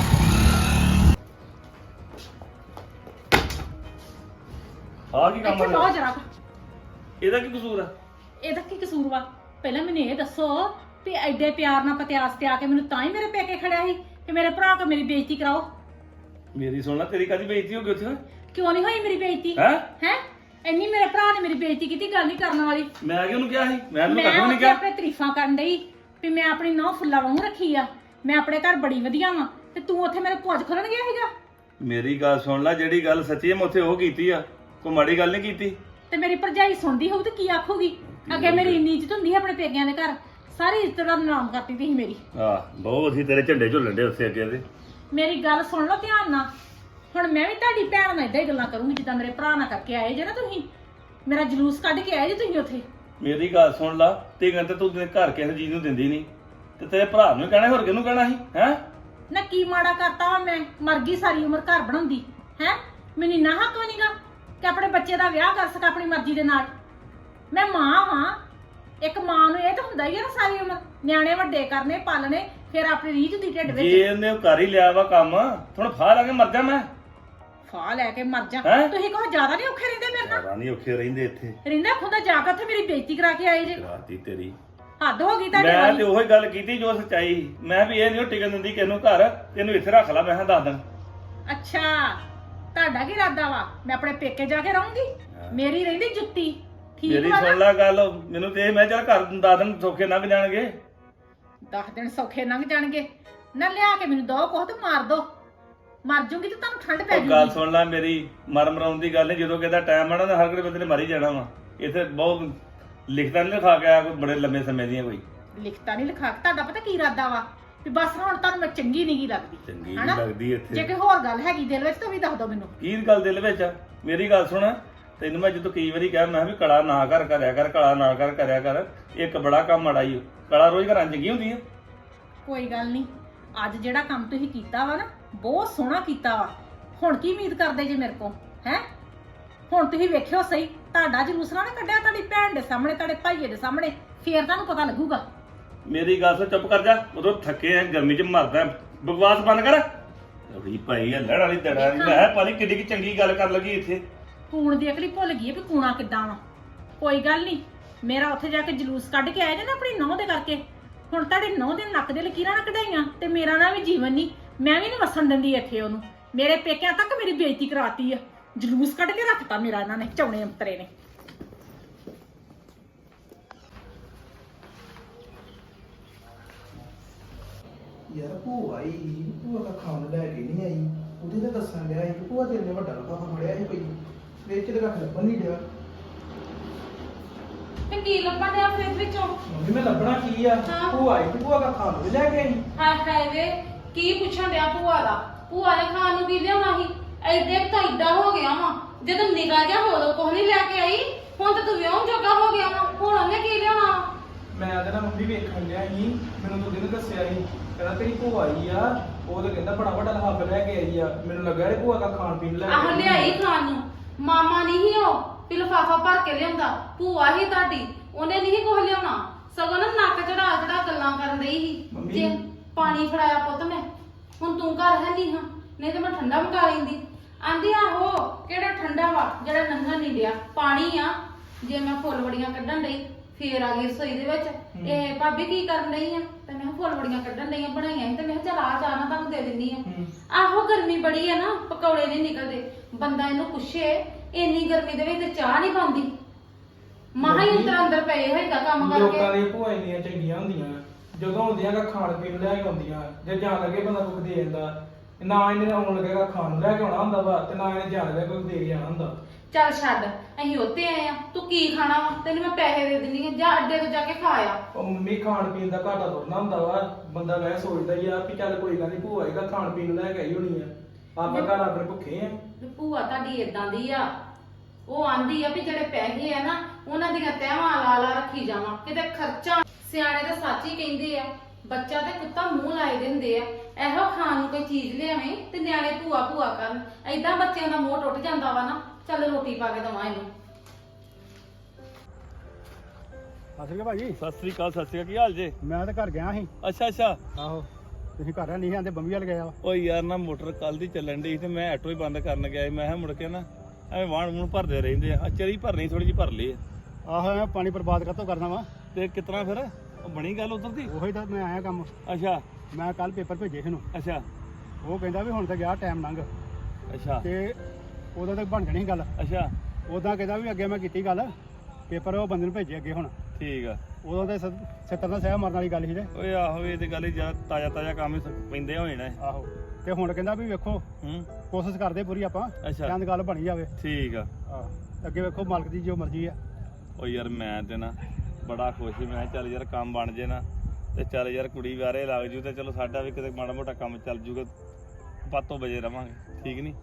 Speaker 2: ਆ ਕੀ ਕੰਮ
Speaker 4: ਇੱਥੇ ਲੋ
Speaker 2: ਆ
Speaker 4: ਜਰਾ
Speaker 2: ਇਹਦਾ ਕੀ ਕਸੂਰ ਆ
Speaker 4: ਇਹਦਾ ਕੀ ਕਸੂਰ ਵਾ ਪਹਿਲਾਂ ਮੈਨੂੰ ਇਹ ਦੱਸੋ ਵੀ ਐਡੇ ਪਿਆਰ ਨਾਲ ਪਤਿਆਸ ਤੇ ਆ ਕੇ ਮੈਨੂੰ ਤਾਂ ਹੀ ਮੇਰੇ ਪੇਕੇ ਖੜਿਆ ਸੀ ਕਿ ਮੇਰੇ ਭਰਾ ਕੋ ਮੇਰੀ ਬੇਇੱਜ਼ਤੀ ਕਰਾਓ
Speaker 2: ਮੇਰੀ ਸੁਣ ਲੈ ਤੇਰੀ ਕਾਦੀ ਬੇਇੱਜ਼ਤੀ ਹੋ ਗਈ ਉੱਥੇ
Speaker 4: ਕਿਉਂ ਨਹੀਂ ਹੋਈ ਮੇਰੀ ਬੇਇੱਜ਼ਤੀ
Speaker 2: ਹੈ
Speaker 4: ਹੈ ਇੰਨੀ ਮੇਰੇ ਭਰਾ ਨੇ ਮੇਰੀ ਬੇਇੱਜ਼ਤੀ ਕੀਤੀ ਗੱਲ ਨਹੀਂ ਕਰਨ ਵਾਲੀ
Speaker 2: ਮੈਂ ਕਿ ਉਹਨੂੰ ਕਿਹਾ ਸੀ ਮੈਂ ਉਹਨੂੰ
Speaker 4: ਮੈਂ
Speaker 2: ਕੱਖ ਵੀ ਨਹੀਂ
Speaker 4: ਉੱਥੇ
Speaker 2: ਕਿਹਾ
Speaker 4: ਆਪਣੇ ਤਾਰੀਫਾਂ ਕਰਨ ਡਈ ਵੀ ਮੈਂ ਆਪਣੀ ਨੌ ਫੁੱਲਾ ਵਾਂਗੂ ਰੱਖੀ ਆ ਮੈਂ ਆਪਣੇ ਘਰ ਬੜੀ ਵਧੀਆ ਵਾਂ ਤੇ ਤੂੰ ਉੱਥੇ ਮੇਰੇ ਪੁੱਜ ਖੋਲਣ ਗਿਆ ਸੀਗਾ
Speaker 2: ਮੇਰੀ ਗੱਲ ਸੁਣ ਲੈ ਜਿਹੜੀ ਗੱਲ ਸੱਚੀ ਹੈ ਮੈਂ ਉੱਥੇ ਉਹ ਕੀਤੀ ਆ ਕੋਈ ਮਾੜੀ ਗੱਲ ਨਹੀਂ ਕੀਤੀ
Speaker 4: ਤੇ ਮੇਰੀ ਭਰਜਾਈ ਸੁਣਦੀ ਹੋਊ ਤੇ ਕੀ ਆਖੂਗੀ ਅੱਗੇ ਮੇਰੀ ਇੰਨੀ ਇੱਜ਼ਤ ਹੁੰਦੀ ਸੀ ਆਪਣੇ ਪੇਕਿਆਂ ਦੇ ਘਰ ਸਾਰੀ ਇੱਜ਼ਤ ਦਾ ਨਾਮ ਕਰਤੀ ਤੀ ਸੀ ਮੇਰੀ
Speaker 2: ਆਹ ਬਹੁਤ ਅਸੀਂ ਤੇਰੇ ਝੰਡੇ ਝੁੱਲਣ ਦੇ ਉੱਥੇ ਅੱਗੇ ਦੇ
Speaker 4: ਮੇਰੀ ਗੱਲ ਸੁਣ ਲਓ ਧਿਆਨ ਨਾਲ ਹੁਣ ਮੈਂ ਵੀ ਤੁਹਾਡੀ ਭੈਣ ਨਾਲ ਇਦਾਂ ਹੀ ਗੱਲਾਂ ਕਰੂੰਗੀ ਜਿੱਦਾਂ ਮੇਰੇ ਭਰਾ ਨਾਲ ਕਰਕੇ ਆਏ ਜੇ ਨਾ ਤੁਸੀਂ ਮੇਰਾ ਜਲੂਸ ਕੱਢ ਕੇ ਆਏ ਜੇ ਤੁਸੀਂ ਉੱਥੇ
Speaker 2: ਮੇਰੀ ਗੱਲ ਸੁਣ ਲਾ ਤੇ ਕਹਿੰਦੇ ਤੂੰ ਤੇਰੇ ਘਰ ਕਿਸੇ ਚੀਜ਼ ਨੂੰ ਦਿੰਦੀ ਨਹੀਂ ਤੇ ਤੇਰੇ ਭਰਾ ਨੂੰ ਕਹਿਣਾ ਹੋਰ ਕਿਹਨੂੰ ਕਹਿਣਾ ਸੀ ਹੈ
Speaker 4: ਨਾ ਕੀ ਮਾੜਾ ਕਰਤਾ ਵਾ ਮੈਂ ਮਰ ਗਈ ਸਾਰੀ ਉਮਰ ਘਰ ਬਣਾਉਂਦੀ ਹੈ ਮੈਨੂੰ ਇੰਨਾ ਹੱਕ ਵੀ ਨਹੀਂਗਾ ਕਿ ਆਪਣੇ ਬੱਚੇ ਦਾ ਵਿਆਹ ਕਰ ਸਕਾਂ ਆਪਣੀ ਮਰਜ਼ੀ ਦੇ ਨਾਲ ਮੈਂ ਮਾਂ ਵਾਂ ਇੱਕ ਮਾਂ ਨੂੰ ਇਹ ਤਾਂ ਹੁੰਦਾ ਹੀ ਆ ਨਾ ਸਾਰੀ ਉਮਰ ਨਿਆਣੇ ਵੱਡੇ ਕਰਨੇ ਪਾਲਣੇ ਫਿਰ ਆਪਣੀ ਰੀਝ ਦੀ ਢਿੱਡ
Speaker 2: ਜੇ
Speaker 4: ਵਿੱਚ
Speaker 2: ਇਹਨੇ ਉਹ ਕਰ ਹੀ ਲਿਆ ਵਾ ਕੰਮ ਥੋੜਾ ਫਾਹ ਲਾ ਕੇ ਮਰ ਜਾ ਮੈਂ
Speaker 4: ਫਾਹ ਲੈ ਕੇ ਮਰ ਜਾ
Speaker 2: ਹੈਂ?
Speaker 4: ਤੁਸੀਂ ਕਹੋ ਜ਼ਿਆਦਾ ਨਹੀਂ ਔਖੇ ਰਹਿੰਦੇ ਮੇਰੇ ਨਾਲ
Speaker 2: ਜ਼ਿਆਦਾ ਨਹੀਂ ਔਖੇ ਰਹਿੰਦੇ ਇੱਥੇ
Speaker 4: ਰਹਿੰਦਾ ਖੁੰਦਾ ਜਾ ਕੇ ਉੱਥੇ ਮੇਰੀ ਬੇਇੱਜ਼ਤੀ ਕਰਾ ਕੇ ਆਏ ਜੇ
Speaker 2: ਰਾਤੀ ਤੇਰੀ
Speaker 4: ਹੱਦ ਹੋ ਗਈ ਤੁਹਾਡੇ
Speaker 2: ਮੈਂ
Speaker 4: ਵਾਲੀ
Speaker 2: ਤੇ ਉਹੀ ਗੱਲ ਕੀਤੀ ਜੋ ਸੱਚਾਈ ਸੀ। ਮੈਂ ਵੀ ਇਹ ਨਹੀਂ ਟਿਕਣ ਦਿੰਦੀ ਕਿਸੇ ਨੂੰ ਘਰ ਤੈਨੂੰ ਇੱਥੇ ਰੱਖ ਲਾ ਮੈਂ ਕਿਹਾ ਦੱਸ ਦਿਨ
Speaker 4: ਅੱਛਾ ਤੁਹਾਡਾ ਕੀ ਇਰਾਦਾ ਵਾ ਮੈਂ ਆਪਣੇ ਪੇਕੇ ਜਾ ਕੇ ਰਹੂੰਗੀ ਮੇਰੀ ਰਹਿੰਦੀ ਜੁੱਤੀ ਠੀਕ
Speaker 2: ਮੇਰੀ
Speaker 4: ਵਾ
Speaker 2: ਸੁਣ
Speaker 4: ਨਾ
Speaker 2: ਲੈ ਗੱਲ ਮੈਨੂੰ ਤੇ ਇਹ ਮੈਂ ਚੱਲ ਘਰ ਦੱਸ ਦਿਨ ਸੌਖੇ ਲੰਘ ਜਾਣਗੇ
Speaker 4: 10 ਦਿਨ ਸੌਖੇ ਲੰਘ ਜਾਣਗੇ ਨਾ ਲਿਆ ਕੇ ਮੈਨੂੰ ਦੋ ਕੋਹ ਤੇ ਮਾਰ ਦੋ ਮਰ ਜੂਗੀ ਤੇ ਤੁਹਾਨੂੰ ਠੰਡ ਪੈ
Speaker 2: ਉਹ ਗੱਲ
Speaker 4: ਜੂਗੀ
Speaker 2: ਸੁਣ ਲੈ ਮੇਰੀ ਮਰ ਮਰਾਉਣ ਦੀ ਗੱਲ ਨਹੀਂ ਜਦੋਂ ਕਿਹਦਾ ਟਾਈਮ ਆਣਾ ਤਾਂ ਹਰ ਕਿਹੜੇ ਬੰਦੇ ਨੇ ਮਰ ਹੀ ਜਾਣਾ ਵਾ ਇੱਥੇ ਬਹੁਤ ਲਿਖਦਾ ਨਹੀਂ ਲਿਖਾ ਕੇ ਆਇਆ ਕੋਈ ਬੜੇ ਲੰਮੇ ਸਮੇਂ ਦੀਆਂ ਕੋਈ
Speaker 4: ਲਿਖਤਾ ਨਹੀਂ ਲਿਖਾ ਤੁਹਾਡਾ ਪਤਾ ਕੀ ਇਰਾਦਾ ਵਾ ਵੀ ਬਸ ਹੁਣ ਤੁਹਾਨੂੰ ਮੈਂ ਚੰਗੀ ਨਹੀਂ ਲੱਗਦੀ
Speaker 2: ਚੰਗੀ
Speaker 4: ਹਨਾ?
Speaker 2: ਨਹੀਂ ਲੱਗਦੀ ਇੱਥੇ
Speaker 4: ਜੇ ਕੋਈ ਹੋਰ ਗੱਲ ਹੈਗੀ ਦਿਲ ਵਿੱਚ ਤਾਂ ਵੀ ਦੱਸ ਦਿਓ ਮੈਨੂੰ
Speaker 2: ਕੀ ਗੱਲ ਦਿਲ ਵਿੱਚ ਆ ਮੇਰੀ ਗੱਲ ਸੁਣ ਤੈਨੂੰ ਮੈਂ ਜਦੋਂ ਕਈ ਵਾਰੀ ਕਿਹਾ ਮੈਂ ਵੀ ਕਲਾ ਨਾ ਕਰ ਕਰਿਆ ਕਰ ਕਲਾ ਨਾ ਕਰ ਕਰਿਆ ਕਰ ਇੱਕ ਬੜਾ ਕੰਮ ਮਾੜਾ ਈ ਓ। ਕਲਾ ਰੋਜ਼ ਘਰਾਂ 'ਚ ਚੰਗੀ ਹੁੰਦੀ ਆ
Speaker 4: ਕੋਈ ਗੱਲ ਨਹੀਂ ਅੱਜ ਜਿਹੜਾ ਕੰਮ ਤੁਸੀਂ ਕੀਤਾ ਵਾ ਨਾ ਬਹੁਤ ਸੋਹਣਾ ਕੀਤਾ ਵਾ ਹੁਣ ਕੀ ਉਮੀਦ ਕਰਦੇ ਜੇ ਮੇਰੇ ਕੋਲ ਹੈ ਹੁਣ ਤੁਸੀਂ ਵੇਖਿਓ ਸਹੀ ਤੁਹਾਡਾ ਜਲੂਸ ਨਾ ਕੱਢਿਆ ਤੁਹਾਡੀ ਭੈਣ ਦੇ ਸਾਹਮਣੇ ਤੁਹਾਡੇ ਭਾਈਏ ਦੇ ਸਾਹਮਣੇ ਫੇਰ ਤੁਹਾਨੂੰ ਪਤਾ ਲੱਗੂਗਾ
Speaker 2: ਮੇਰੀ ਗੱਲ ਸੁਣ ਚੁੱਪ ਕਰ ਜਾ ਉਦੋਂ ਥੱਕੇ ਆ ਗਰਮੀ 'ਚ ਮਰਦਾ ਬਕਵਾਸ ਬੰਦ ਕਰ ਅੜੀ ਭਾਈ ਆ ਲੜ ਵਾਲੀ ਦੜਾ ਮੈਂ ਪਾਣੀ ਕਿੱਡੀ ਕੀ ਚੰਗੀ ਗੱਲ ਕਰ ਲੱਗੀ ਇੱਥੇ
Speaker 4: ਕੂਣ ਦੀ ਅਕਲੀ ਭੁੱਲ ਗਈ ਹੈ ਵੀ ਕੂਣਾ ਕਿੱਦਾਂ ਵਾ ਕੋਈ ਗੱਲ ਨਹੀਂ ਮੇਰਾ ਉੱਥੇ ਜਾ ਕੇ ਜਲੂਸ ਕੱਢ ਕੇ ਆਇਆ ਜੇ ਨਾ ਆਪਣੀ ਨਹੁੰ ਦੇ ਕਰਕੇ ਹੁਣ ਤੁਹਾਡੇ ਨਹੁੰ ਦੇ ਨੱਕ ਦੇ ਲਕੀਰਾਂ ਨਾ ਕਢਾਈਆਂ ਤੇ ਮੇਰਾ ਨਾ ਵੀ ਜੀਵਨ ਨਹੀਂ ਮੈਂ ਵੀ ਨਹੀਂ ਵਸਣ ਦਿੰਦੀ ਇੱਥੇ ਉਹਨੂੰ ਮੇਰੇ ਪੇਕਿਆਂ ਤੱਕ ਮੇਰੀ ਬੇਇੱਜ਼ਤੀ ਕਰਾਤੀ ਆ ਜਲੂਸ ਕੱਢ ਕੇ ਰੱਖਤਾ ਮੇਰਾ ਇਹਨਾਂ ਨੇ ਚੌਣੇ ਅੰਤਰੇ ਨੇ
Speaker 5: ਯਾਰ ਭੂਆ ਆਈ ਭੂਆ ਦਾ ਖਾਣ ਲੈ ਕੇ ਨਹੀਂ ਆਈ ਉਹਦੇ ਤਾਂ ਦੱਸਣ ਡਿਆ ਸੀ ਕਿ ਭੂਆ ਤੇਰੇ ਨੇ ਵੱਡਾ ਲਫਾਫਾ ਫੜਿਆ ਸੀ ਕੋਈ ਵਿੱਚ ਤੇ ਰੱਖ ਲੱਭਣ ਨਹੀਂ ਡਿਆ
Speaker 3: ਤੇ ਕੀ ਲੱਭਣ ਡਿਆ ਫ੍ਰਿਜ ਵਿੱਚੋਂ
Speaker 5: ਮੰਮੀ ਮੈਂ ਲੱਭਣਾ ਕੀ ਆ
Speaker 3: ਹਾਂ।
Speaker 5: ਭੂਆ ਆਈ ਤੇ ਭੂਆ ਦਾ ਖਾਣ ਵੀ ਲੈ ਕੇ ਆਈ
Speaker 3: ਹਾਏ ਹਾਏ ਵੇ ਕੀ ਪੁੱਛਣ ਡਿਆ ਭੂਆ ਦਾ ਭੂਆ ਦੇ ਖਾਣ ਨੂੰ ਕੀ ਲਿਆਉਣਾ ਸੀ ਐਡੇ ਤਾਂ ਏਦਾਂ ਹੋ ਗਿਆ ਵਾ ਜਦੋਂ ਨਿਗਾਹ ਜਾ ਉਦੋਂ ਕੁਝ ਨਹੀਂ ਲੈ ਕੇ ਆਈ ਹੁਣ ਤਾਂ ਤੂੰ ਵਿਆਹ ਜੋਗਾ ਹੋ ਗਿਆ ਵਾ ਹੁਣ ਉਹਨੇ ਕੀ ਲਿਆਉਣਾ ਵਾ?
Speaker 5: ਮੈਂ ਉਹਦੇ ਨਾਲ ਮੰਮੀ ਵੇਖਣ ਡਿਆ ਸੀ ਮੈਨੂੰ ਤਾਂ ਉਹਨੇ ਦੱਸਿਆ ਸੀ ਕਹਿੰਦਾ ਤੇਰੀ ਭੂਆ ਆਈ ਆ ਉਹ ਤਾਂ ਕਹਿੰਦਾ ਬੜਾ ਵੱਡਾ ਲਫਾਫਾ ਲੈ ਕੇ ਆਈ ਆ ਮੈਨੂੰ ਲੱਗਾ ਇਹ ਭੂਆ ਦਾ ਖਾਣ ਪੀਣ ਲੈ ਕੇ
Speaker 3: ਆਹ
Speaker 5: ਆਈ।
Speaker 3: ਲਿਆਈ ਖਾਣ ਨੂੰ ਮਾਮਾ ਨਹੀਂ ਸੀ ਉਹ ਵੀ ਲਿਫਾਫਾ ਭਰ ਕੇ ਲਿਆਉਂਦਾ ਭੂਆ ਹੀ ਤੁਹਾਡੀ ਉਹਨੇ ਨਹੀਂ ਕੁਝ ਲਿਆਉਣਾ ਸਗੋਂ ਨਾ ਨੱਕ ਚੜਾ ਚੜਾ ਗੱਲਾਂ ਕਰਨ ਰਹੀ ਸੀ
Speaker 5: ਮੰਮੀ।
Speaker 3: ਜੇ ਪਾਣੀ ਫੜਾਇਆ ਪੁੱਤ ਮੈਂ ਹੁਣ ਤੂੰ ਘਰ ਹੈ ਨਹੀਂ ਹਾਂ ਨਹੀਂ ਤੇ ਮੈਂ ਠੰਡਾ ਮੰਗਾ ਲੈਂਦੀ ਆਂਦੀ ਆਹੋ ਕਿਹੜਾ ਠੰਡਾ ਵਾ ਜਿਹੜਾ ਨੰਗਾ ਨਹੀਂ ਡਿਆ ਪਾਣੀ ਆ ਜੇ ਮੈਂ ਫੁੱਲ ਵੜੀਆਂ ਕੱਢਣ ਲਈ ਫੇਰ ਆ ਗਈ ਰਸੋਈ ਦੇ ਵਿੱਚ ਇਹ ਭਾਬੀ ਕੀ ਕਰਨ ਲਈ ਆ ਤੇ ਮੈਂ ਕਿਹਾ ਫੁੱਲ ਵੜੀਆਂ ਕੱਢਣ ਲਈ ਬਣਾਈਆਂ ਸੀ ਤੇ ਮੈਂ ਕਿਹਾ ਚਲ ਆ ਚਾਹ ਨਾ ਤੁਹਾਨੂੰ ਦੇ ਦਿੰਦੀ ਆ ਆਹੋ ਗਰਮੀ ਬੜੀ ਆ ਨਾ ਪਕੌੜੇ ਨਹੀਂ ਨਿਕਲਦੇ ਬੰਦਾ ਇਹਨੂੰ ਪੁੱਛੇ ਇੰਨੀ ਗਰਮੀ ਦੇ ਵਿੱਚ ਤੇ ਚਾਹ ਨਹੀਂ ਪਾਉਂਦੀ ਮਹਾ ਹੀ ਅੰਦਰ ਪਏ ਹੋਏਗਾ ਕੰਮ
Speaker 5: ਲੋਕਾਂ
Speaker 3: ਕਰਕੇ
Speaker 5: ਦੀਆਂ ਭੂਆ ਇੰਨੀਆਂ ਚੰਗੀਆਂ ਹੁੰਦੀਆਂ ਜਦੋਂ ਹੁੰਦੀਆਂ ਗਾ ਖਾਣ ਪੀਣ ਨੂੰ ਲੈ ਕੇ ਆਉਂਦੀਆਂ ਜੇ ਜਾਣ ਲੱਗੇ ਬੰਦਾ ਕੁਝ ਦੇ ਜਾਂਦਾ ਨਾ ਇਹਨੇ ਆਉਣ ਲੱਗੇਗਾ ਖਾਣ ਨੂੰ ਲੈ ਕੇ ਆਉਣਾ ਹੁੰਦਾ ਵਾ ਤੇ ਨਾ ਇਹਨੇ ਜਾਣ ਲੱਗੇ ਕੁਝ ਦੇ ਕੇ ਜਾਣਾ ਹੁੰਦਾ
Speaker 3: ਚੱਲ ਛੱਡ ਅਸੀਂ ਉੱਤੇ ਆਏ ਆ ਤੂੰ ਕੀ ਖਾਣਾ ਵਾ ਤੈਨੂੰ ਮੈਂ ਪੈਸੇ ਦੇ ਦਿੰਦੀ ਆ ਜਾਂ ਅੱਡੇ ਤੋਂ ਜਾ ਕੇ ਖਾ ਆ
Speaker 5: ਉਹ ਮੰਮੀ ਖਾਣ ਪੀਣ ਦਾ ਘਾਟਾ ਥੋੜ੍ਹਾ ਹੁੰਦਾ ਵਾ ਬੰਦਾ ਵੈਸੇ ਸੋਚਦਾ ਹੀ ਆ ਕਿ ਚੱਲ ਕੋਈ ਗੱਲ ਨਹੀਂ ਭੂਆ ਆਏਗਾ ਖਾਣ ਪੀਣ ਨੂੰ ਲੈ ਕੇ ਆਈ ਹੋਣੀ ਆ ਆਪਾਂ ਘਰ ਆਪਣੇ ਭੁੱਖੇ ਆ
Speaker 3: ਵੀ ਭੂਆ ਤੁਹਾਡੀ ਇਦਾਂ ਦੀ ਆ। ਉਹ ਆਂਦੀ ਆ ਵੀ ਜਿਹੜੇ ਪੈਸੇ ਆ ਨਾ ਉਹਨਾਂ ਦੀਆਂ ਤਹਿਵਾਂ ਲਾ ਲਾ ਰੱਖੀ ਜਾਵਾਂ, ਕਿਤੇ ਖਰਚਾ। ਸਿਆਣੇ ਤਾਂ ਸੱਚ ਹੀ ਕਹਿੰਦੇ ਆ, ਬੱਚਾ ਤੇ ਕੁੱਤਾ ਮੂੰਹ ਲਾਏ ਦਿੰਦੇ ਆ। ਇਹੋ ਖਾਣ ਨੂੰ ਕੋਈ ਚੀਜ਼ ਲਿਆਵੇਂ ਤੇ ਨਿਆਣੇ ਭੂਆ ਭੂਆ ਕਰਨ, ਏਦਾਂ ਬੱਚਿਆਂ ਦਾ ਮੋਹ ਟੁੱਟ ਜਾਂਦਾ ਵਾ ਨਾ। ਚੱਲ ਰੋਟੀ ਪਾ ਕੇ ਦਵਾਂ ਇਹਨੂੰ।
Speaker 6: ਸਤਿ ਸ਼੍ਰੀ ਅਕਾਲ ਭਾਜੀ।
Speaker 2: ਸਤਿ ਸ੍ਰੀ ਅਕਾਲ, ਸਤਿ ਸ੍ਰੀ ਅਕਾਲ। ਕੀ ਹਾਲ ਜੇ?
Speaker 6: ਮੈਂ ਤਾਂ ਘਰ ਗਿਆ ਸੀ।
Speaker 2: ਅੱਛਾ ਅੱਛਾ।
Speaker 6: ਆਹੋ ਤੁਸੀਂ ਘਰ ਨਹੀਂ ਆਂਦੇ, ਬੰਬੀ ਵਾਲ ਗਿਆ ਵਾ।
Speaker 2: ਓ ਯਾਰ ਨਾ ਮੋਟਰ ਕੱਲ ਦੀ ਚੱਲਣ ਡਈ ਤੇ ਮੈਂ ਆਟੋ ਹੀ ਬੰਦ ਕਰਨ ਗਿਆ ਸੀ। ਮੈਂ ਕਿਹਾ ਮੁੜ ਕੇ ਨਾ ਐਵੇਂ ਵਾਹਣ ਵੂਣ ਭਰਦੇ ਰਹਿੰਦੇ ਆ। ਚਰੀ ਭਰਨੀ ਥੋੜੀ ਜਿਹੀ ਭਰ ਲਈ ਆ।
Speaker 6: ਆਹੋ ਮੈਂ ਪਾਣੀ ਬਰਬਾਦ ਕਾਹਤੋਂ ਕਰਨਾ ਵਾ।
Speaker 2: ਤੇ ਕਿਤਨਾ ਫਿਰ ਉਹ ਬਣੀ ਗੱਲ ਉਧਰ ਦੀ?
Speaker 6: ਉਹੀ ਤਾਂ ਮੈਂ ਆਇਆ ਕੰਮ।
Speaker 2: ਅੱਛਾ
Speaker 6: ਮੈਂ ਕੱਲ ਪੇਪਰ ਭੇਜੇ ਸੀ ਨੂੰ।
Speaker 2: ਅੱਛਾ
Speaker 6: ਉਹ ਕਹਿੰਦਾ ਵੀ ਹੁਣ ਤਾਂ ਗਿਆ ਟਾਈਮ ਲੰਘ
Speaker 2: ਅੱਛਾ
Speaker 6: ਤੇ ਉਦੋਂ ਤੱਕ ਬਣ ਜਾਣੀ ਸੀ ਗੱਲ।
Speaker 2: ਅੱਛਾ
Speaker 6: ਉਦਾਂ ਕਹਿੰਦਾ ਵੀ ਅੱਗੇ ਮੈਂ ਕੀਤੀ ਗੱਲ, ਪੇਪਰ ਉਹ ਬੰਦੇ ਨੂੰ ਭੇਜੇ ਅੱਗੇ ਹੁਣ।
Speaker 2: ਠੀਕ ਆ।
Speaker 6: ਉਦੋਂ ਤੇ 70 ਦਾ ਸਹਿ ਮਰਨ ਵਾਲੀ ਗੱਲ ਸੀ ਤੇ।
Speaker 2: ਓਏ ਆਹੋ ਇਹ ਤੇ ਗੱਲ ਹੀ ਜਿਆਦਾ ਤਾਜ਼ਾ ਤਾਜ਼ਾ ਕੰਮ ਹੀ ਪੈਂਦੇ ਹੋਏ ਨੇ।
Speaker 6: ਆਹੋ ਤੇ ਹੁਣ ਕਹਿੰਦਾ ਵੀ ਵੇਖੋ
Speaker 2: ਹੂੰ
Speaker 6: ਕੋਸ਼ਿਸ਼ ਕਰਦੇ ਪੂਰੀ ਆਪਾਂ,
Speaker 2: ਅੱਛਾ
Speaker 6: ਚੰਦ ਗੱਲ ਬਣੀ ਜਾਵੇ।
Speaker 2: ਠੀਕ ਆ।
Speaker 6: ਆਹ ਅੱਗੇ ਵੇਖੋ ਮਾਲਕ ਦੀ ਜੋ ਮਰਜ਼ੀ ਆ।
Speaker 2: ਓ ਯਾਰ ਮੈਂ ਤੇ ਨਾ ਬੜਾ ਖੁਸ਼ ਸੀ। ਮੈਂ ਕਿਹਾ ਚੱਲ ਯਾਰ ਕੰਮ ਬਣ ਜੇ ਨਾ ਤੇ ਚੱਲ ਯਾਰ ਕੁੜੀ ਵਾਰੇ ਲੱਗ ਜੂ ਤੇ ਚਲੋ ਸਾਡਾ ਵੀ ਕਿਤੇ ਮਾੜਾ ਮੋਟਾ ਕੰਮ ਚੱਲ ਜੂਗਾ, ਪਾਤੋਂ ਬਜੇ ਰਵਾਂਗੇ। ਠੀਕ ਨਹੀਂ?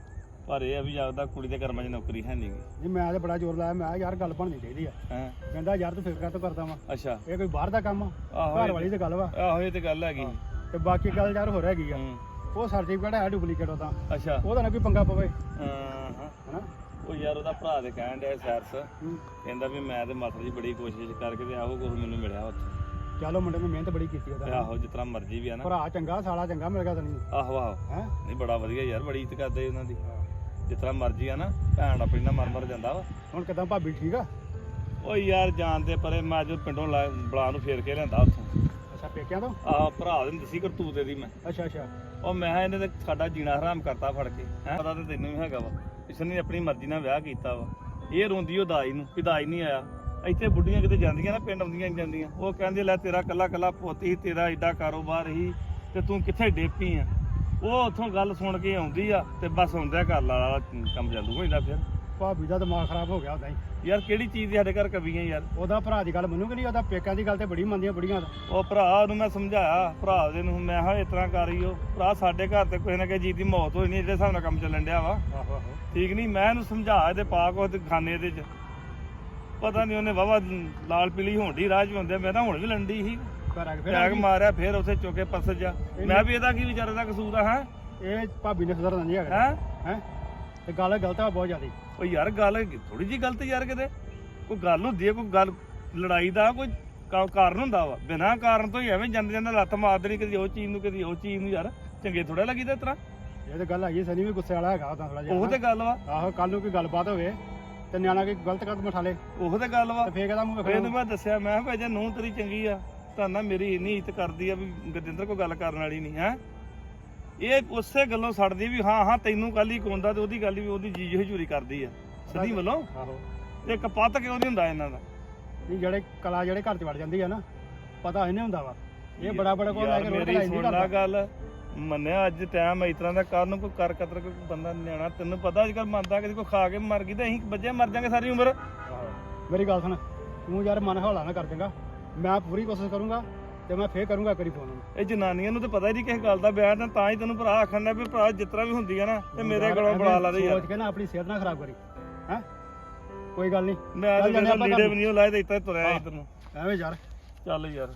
Speaker 2: ਪਰ ਇਹ ਆ ਵੀ ਜਿਆਦਾ ਕੁੜੀ ਦੇ ਕਰਮਾਂ 'ਚ ਨੌਕਰੀ ਹੈ ਨਹੀਂ ਗੀ।
Speaker 6: ਜੀ ਮੈਂ ਤੇ ਬੜਾ ਜ਼ੋਰ ਲਾਇਆ, ਮੈਂ ਕਿਹਾ ਯਾਰ ਗੱਲ ਬਣਨੀ ਚਾਹੀਦੀ ਆ।
Speaker 2: ਹੈਂ
Speaker 6: ਕਹਿੰਦਾ ਯਾਰ ਤੂੰ ਫਿਕਰ ਕਾਹਤੋਂ ਕਰਦਾ ਵਾ,
Speaker 2: ਅੱਛਾ
Speaker 6: ਇਹ ਕੋਈ ਬਾਹਰ ਦਾ ਕੰਮ ਆ,
Speaker 2: ਆਹੋ
Speaker 6: ਘਰ ਵਾਲੀ ਤੇ ਗੱਲ ਵਾ।
Speaker 2: ਆਹੋ ਇਹ ਤੇ ਗੱਲ ਹੈਗੀ।
Speaker 6: ਤੇ ਬਾਕੀ ਗੱਲ ਯਾਰ ਹੋ ਰਹੀ ਆ,
Speaker 2: ਹੂੰ
Speaker 6: ਉਹ ਸਰਟੀਫਿਕੇਟ ਹੈ ਡੁਪਲੀਕੇਟ ਉਹਦਾ,
Speaker 2: ਅੱਛਾ
Speaker 6: ਉਹਦਾ ਨਾ ਕੋਈ ਪੰਗਾ ਪਵੇ।
Speaker 2: ਹਾਂ
Speaker 6: ਹਨਾ
Speaker 2: ਉਹ ਯਾਰ ਉਹਦਾ ਭਰਾ ਤੇ ਕਹਿਣ ਡਿਆ ਸੈਰਸ,
Speaker 6: ਹੂੰ।
Speaker 2: ਕਹਿੰਦਾ ਵੀ ਮੈਂ ਤੇ ਮਾਤਾ ਜੀ ਬੜੀ ਕੋਸ਼ਿਸ਼ ਕਰਕੇ ਤੇ ਆਹੋ ਕੁਝ ਮੈਨੂੰ ਮਿਲਿਆ ਉੱਥੇ।
Speaker 6: ਚਲੋ ਮੁੰਡੇ ਨੇ ਮਿਹਨਤ ਬੜੀ ਕੀਤੀ
Speaker 2: ਤੇ
Speaker 6: ਉਹਦਾ।
Speaker 2: ਆਹੋ ਜਿਸ ਤਰ੍ਹਾਂ ਮਰਜ਼ੀ ਵੀ ਆ ਨਾ।
Speaker 6: ਭਰਾ ਚੰਗਾ, ਸਾਲਾ ਚੰਗਾ ਮਿਲ ਗਿਆ ਤੈਨੂੰ।
Speaker 2: ਆਹੋ ਆਹੋ
Speaker 6: ਹੈ
Speaker 2: ਨਹੀਂ ਬੜਾ ਵਧੀਆ ਯਾਰ, ਬੜੀ ਇੱਜ਼ਤ ਕਰਦੇ ਉਹਨਾਂ ਦੀ। ਜਿਸ ਤਰ੍ਹਾਂ ਮਰਜ਼ੀ ਆ ਨਾ, ਭੈਣ ਆਪਣੀ ਨਾਲ ਮਰ ਜਾਂਦਾ ਵਾ।
Speaker 6: ਹੁਣ ਕਿਦਾਂ ਭਾਬੀ ਠੀਕ ਆ?
Speaker 2: ਓ ਯਾਰ ਜਾਣ ਤੇ ਪਰੇ, ਮੈਂ ਅੱਜ ਪਿੰਡੋਂ ਬਲਾ ਨੂੰ ਫੇਰ ਕੇ ਲਿਆਂਦਾ ਉੱਥੋਂ।
Speaker 6: ਅੱਛਾ ਪੇਕਿਆਂ ਤੋਂ?
Speaker 2: ਆਹ ਭਰਾ ਦੇ ਦੱਸੀ ਕਰਤੂਤ ਇਹਦੀ ਮੈਂ।
Speaker 6: ਅੱਛਾ ਅੱਛਾ।
Speaker 2: ਉਹ ਮੈਂ ਕਿਹਾ ਇਹਨੇ ਤੇ ਸਾਡਾ ਜੀਣਾ ਹਰਾਮ ਕਰਤਾ ਫੜ ਕੇ। ਹੈ ਪਤਾ ਤੇ ਤੈਨੂੰ ਵੀ ਹੈਗਾ ਵਾ, ਇਸਨੇ ਆਪਣੀ ਮਰਜ਼ੀ ਨਾਲ ਵਿਆਹ ਕੀਤਾ ਵਾ। ਇਹ ਰੋਂਦੀ ਉਹ ਦਾਈ ਨੂੰ ਵੀ ਦਾਈ ਨਹੀਂ ਆਇਆ। ਇੱਥੇ ਬੁੱਢੀਆਂ ਕਿਤੇ ਜਾਂਦੀਆਂ ਨਾ, ਪਿੰਡ ਆਉਂਦੀਆਂ ਜਾਂਦੀਆਂ, ਉਹ ਕਹਿੰਦੇ ਲੈ ਤੇਰਾ ਕੱਲਾ ਕੱਲਾ ਪੁੱਤ ਸੀ, ਤੇਰਾ ਏਡਾ ਕਾਰੋਬਾਰ ਸੀ ਤੇ ਤੂੰ ਕਿੱਥੇ ਡੇਪੀ ਆ। ਉਹ ਉੱਥੋਂ ਗੱਲ ਸੁਣ ਕੇ ਆਉਂਦੀ ਆ ਤੇ ਬਸ ਆਉਂਦਿਆਂ ਘਰ ਵਾਲਾ ਕੰਮ ਚਾਲੂ ਹੋ ਜਾਂਦਾ। ਫਿਰ
Speaker 6: ਭਾਬੀ ਦਾ ਦਿਮਾਗ ਖਰਾਬ ਹੋ ਗਿਆ ਉਦਾਂ ਹੀ।
Speaker 2: ਯਾਰ ਕਿਹੜੀ ਚੀਜ਼ ਦੀ ਸਾਡੇ ਘਰ ਕਵੀਆਂ ਯਾਰ।
Speaker 6: ਉਹਦਾ ਭਰਾ ਦੀ ਗੱਲ ਮੰਨੂਗੇ ਨਹੀਂ, ਉਹਦਾ ਪੇਕਿਆਂ ਦੀ ਗੱਲ ਤੇ ਬੜੀ ਮੰਨਦੀਆਂ ਬੁੜੀਆਂ ਦਾ।
Speaker 2: ਉਹ ਭਰਾ ਨੂੰ ਮੈਂ ਸਮਝਾਇਆ, ਭਰਾ ਦੇ ਨੂੰ ਮੈਂ ਕਿਹਾ ਇਸ ਤਰ੍ਹਾਂ ਕਰੀਓ ਭਰਾ, ਸਾਡੇ ਘਰ ਤੇ ਕੋਈ ਨਾ ਕੋਈ ਜੀ ਦੀ ਮੌਤ ਹੋਈ ਨਹੀਂ ਜਿਹੜੇ ਹਿਸਾਬ ਨਾਲ ਕੰਮ ਚੱਲਣ ਡਿਆ ਵਾ।
Speaker 6: ਆਹੋ ਆਹੋ।
Speaker 2: ਠੀਕ ਨਹੀਂ? ਮੈਂ ਇਹਨੂੰ ਸਮਝਾ ਇਹਦੇ ਪਾ ਕੋ ਤੇ ਖਾਨੇ ਇਹਦੇ ਚ, ਪਤਾ ਨਹੀਂ ਉਹਨੇ ਵਾਵਾ ਲਾਲ ਪੀਲੀ ਹੋਣ ਦੀ ਰਾਹ ਚ ਹੁੰਦੇ। ਮੈਂ ਤਾਂ ਹੁਣ ਵੀ ਲੰਡੀ ਸੀ,
Speaker 6: ਘਰ ਆ ਕੇ ਫਿਰ
Speaker 2: ਟੈਗ ਮਾਰਿਆ, ਫਿਰ ਉੱਥੇ ਚੁੱਕੇ ਪਰਸ ਜਾ। ਮੈਂ ਵੀ ਇਹਦਾ ਕੀ ਵਿਚਾਰੇ ਦਾ ਕਸੂਰ ਆ। ਹੈ
Speaker 6: ਇਹ ਭਾਬੀ ਨੇ ਸੁਧਰਨਾ ਨਹੀਂ ਹੈਗਾ।
Speaker 2: ਹੈ
Speaker 6: ਹੈ ਤੇ ਗੱਲ ਗਲਤ ਆ ਬਹੁਤ ਜ਼ਿਆਦਾ।
Speaker 2: ਉਹ ਯਾਰ ਗੱਲ ਥੋੜੀ ਜੀ ਗਲਤ ਯਾਰ, ਕਿਤੇ ਕੋਈ ਗੱਲ ਹੁੰਦੀ ਹੈ, ਕੋਈ ਗੱਲ ਲੜਾਈ ਦਾ ਕੋਈ ਕਾਰਨ ਹੁੰਦਾ ਵਾ। ਬਿਨਾਂ ਕਾਰਨ ਤੋਂ ਹੀ ਐਵੇਂ ਜਾਂਦੇ ਜਾਂਦੇ ਲੱਤ ਮਾਰ ਦੇਣੀ, ਕਦੀ ਉਹ ਚੀਜ਼ ਨੂੰ ਕਦੀ ਉਹ ਚੀਜ਼ ਨੂੰ। ਯਾਰ ਚੰਗੇ ਥੋੜਾ ਲੱਗੀਦਾ ਇਸ ਤਰ੍ਹਾਂ।
Speaker 6: ਇਹ ਤਾਂ ਗੱਲ ਹੈਗੀ, ਸਨੀ ਵੀ ਗੁੱਸੇ ਵਾਲਾ ਹੈਗਾ ਉਹਦਾ ਥੋੜਾ ਜਿਹਾ।
Speaker 2: ਉਹ ਤੇ ਗੱਲ ਵਾ।
Speaker 6: ਆਹੋ ਕੱਲ ਨੂੰ ਕੋਈ ਗੱਲਬਾਤ ਹੋਵੇ ਤੇ ਨਿਆਣਾ ਕੋਈ ਗਲਤ ਕਦਮ ਉਠਾ ਲੇ
Speaker 2: ਉਹ ਤੇ ਗੱਲ ਵਾ।
Speaker 6: ਤੇ ਫੇਰ ਇਹਦਾ ਮੂੰਹ
Speaker 2: ਇਹਨੂੰ
Speaker 6: ਵੇਖਣਾ।
Speaker 2: ਮੈਂ ਦੱਸਿਆ, ਮੈਂ ਕਿਹਾ ਜੇ ਨੂੰਹ ਤੇਰੀ ਚੰਗੀ ਆ ਤਾਂ ਨਾ ਮੇਰੀ ਇੰਨੀ ਇੱਜ਼ਤ ਕਰਦੀ ਆ ਵੀ ਗਜਿੰਦਰ ਕੋਈ ਗੱਲ ਕਰਨ ਵਾਲੀ ਨਹੀਂ। ਹੈ ਇਹ ਉਸੇ ਗੱਲੋਂ ਛੱਡਦੀ ਵੀ ਹਾਂ ਹਾਂ ਤੈਨੂੰ ਕੱਲ ਹੀ ਕੋਂਦਾ, ਤੇ ਉਹਦੀ ਗੱਲ ਵੀ ਉਹਦੀ ਜੀਜ ਹਜੂਰੀ ਕਰਦੀ ਆ ਸਦੀ ਵੱਲੋਂ।
Speaker 6: ਆਹੋ
Speaker 2: ਤੇ ਕਪੱਤ ਕਿਉਂ ਨਹੀਂ ਹੁੰਦਾ ਇਹਨਾਂ ਦਾ?
Speaker 6: ਨਹੀਂ ਜਿਹੜੇ ਕਲਾ ਜਿਹੜੇ ਘਰ ਚ ਵੜ ਜਾਂਦੀ ਆ ਨਾ, ਪਤਾ ਇਹਨੇ ਹੁੰਦਾ ਵਾ। ਇਹ ਬੜਾ ਬੜਾ ਕੋਲ ਲੈ
Speaker 2: ਯਾਰ
Speaker 6: ਕੇ ਰੋੜ
Speaker 2: ਮੇਰੀ
Speaker 6: ਕੇ
Speaker 2: ਸੁਣ ਲਾ ਗੱਲ, ਮੰਨਿਆ ਅੱਜ ਟਾਈਮ ਇਸ ਤਰ੍ਹਾਂ ਦਾ, ਕੱਲ ਨੂੰ ਕੋਈ ਕਰ ਕਤਰ ਕੋਈ ਬੰਦਾ ਨਿਆਣਾ, ਤੈਨੂੰ ਪਤਾ ਅੱਜ ਕੱਲ ਮੰਨਦਾ ਕਦੀ ਕੋਈ ਖਾ ਕੇ ਮਰ ਗਈ ਤੇ ਅਸੀਂ ਬੱਜੇ ਮਰ ਜਾਾਂਗੇ ਸਾਰੀ ਉਮਰ।
Speaker 6: ਮੇਰੀ ਗੱਲ ਸੁਣ, ਤੂੰ ਯਾਰ ਮਨ ਹੌਲਾ ਨਾ ਕਰ ਦੇਗਾ। ਮੈਂ ਪੂਰੀ ਕੋਸ਼ਿਸ਼ ਕਰੂੰਗਾ ਤੇ ਮੈਂ ਫੇਰ ਕਰੂੰਗਾ ਕਰੀ ਫੋਨ।
Speaker 2: ਇਹ ਜਨਾਨੀਆਂ ਨੂੰ ਤਾਂ ਪਤਾ ਹੀ ਨਹੀਂ ਕਿਸੇ ਗੱਲ ਦਾ ਬਿਆਨ, ਤਾਂ ਹੀ ਤੈਨੂੰ ਭਰਾ ਆਖਣ ਦਾ ਵੀ ਭਰਾ ਜਿਸ ਤਰ੍ਹਾਂ ਵੀ ਹੁੰਦੀ ਆ ਨਾ ਤੇ ਮੇਰੇ ਕੋਲੋਂ ਬੁਲਾ ਲਾ ਦੇ ਯਾਰ।
Speaker 6: ਸੋਚ ਕੇ ਨਾ ਆਪਣੀ ਸਿਹਤ ਨਾ ਖਰਾਬ ਕਰੀ। ਹੈ ਕੋਈ ਗੱਲ ਨਹੀਂ,
Speaker 2: ਮੈਂ ਤਾਂ ਜਿਹੜਾ ਲੀੜੇ ਵੀ ਨਹੀਂ ਲਾਏ ਤੇ ਇੱਥੇ ਤੁਰਿਆ ਇੱਧਰ ਨੂੰ।
Speaker 6: ਐਵੇਂ ਯਾਰ
Speaker 2: ਚੱਲ ਯਾਰ।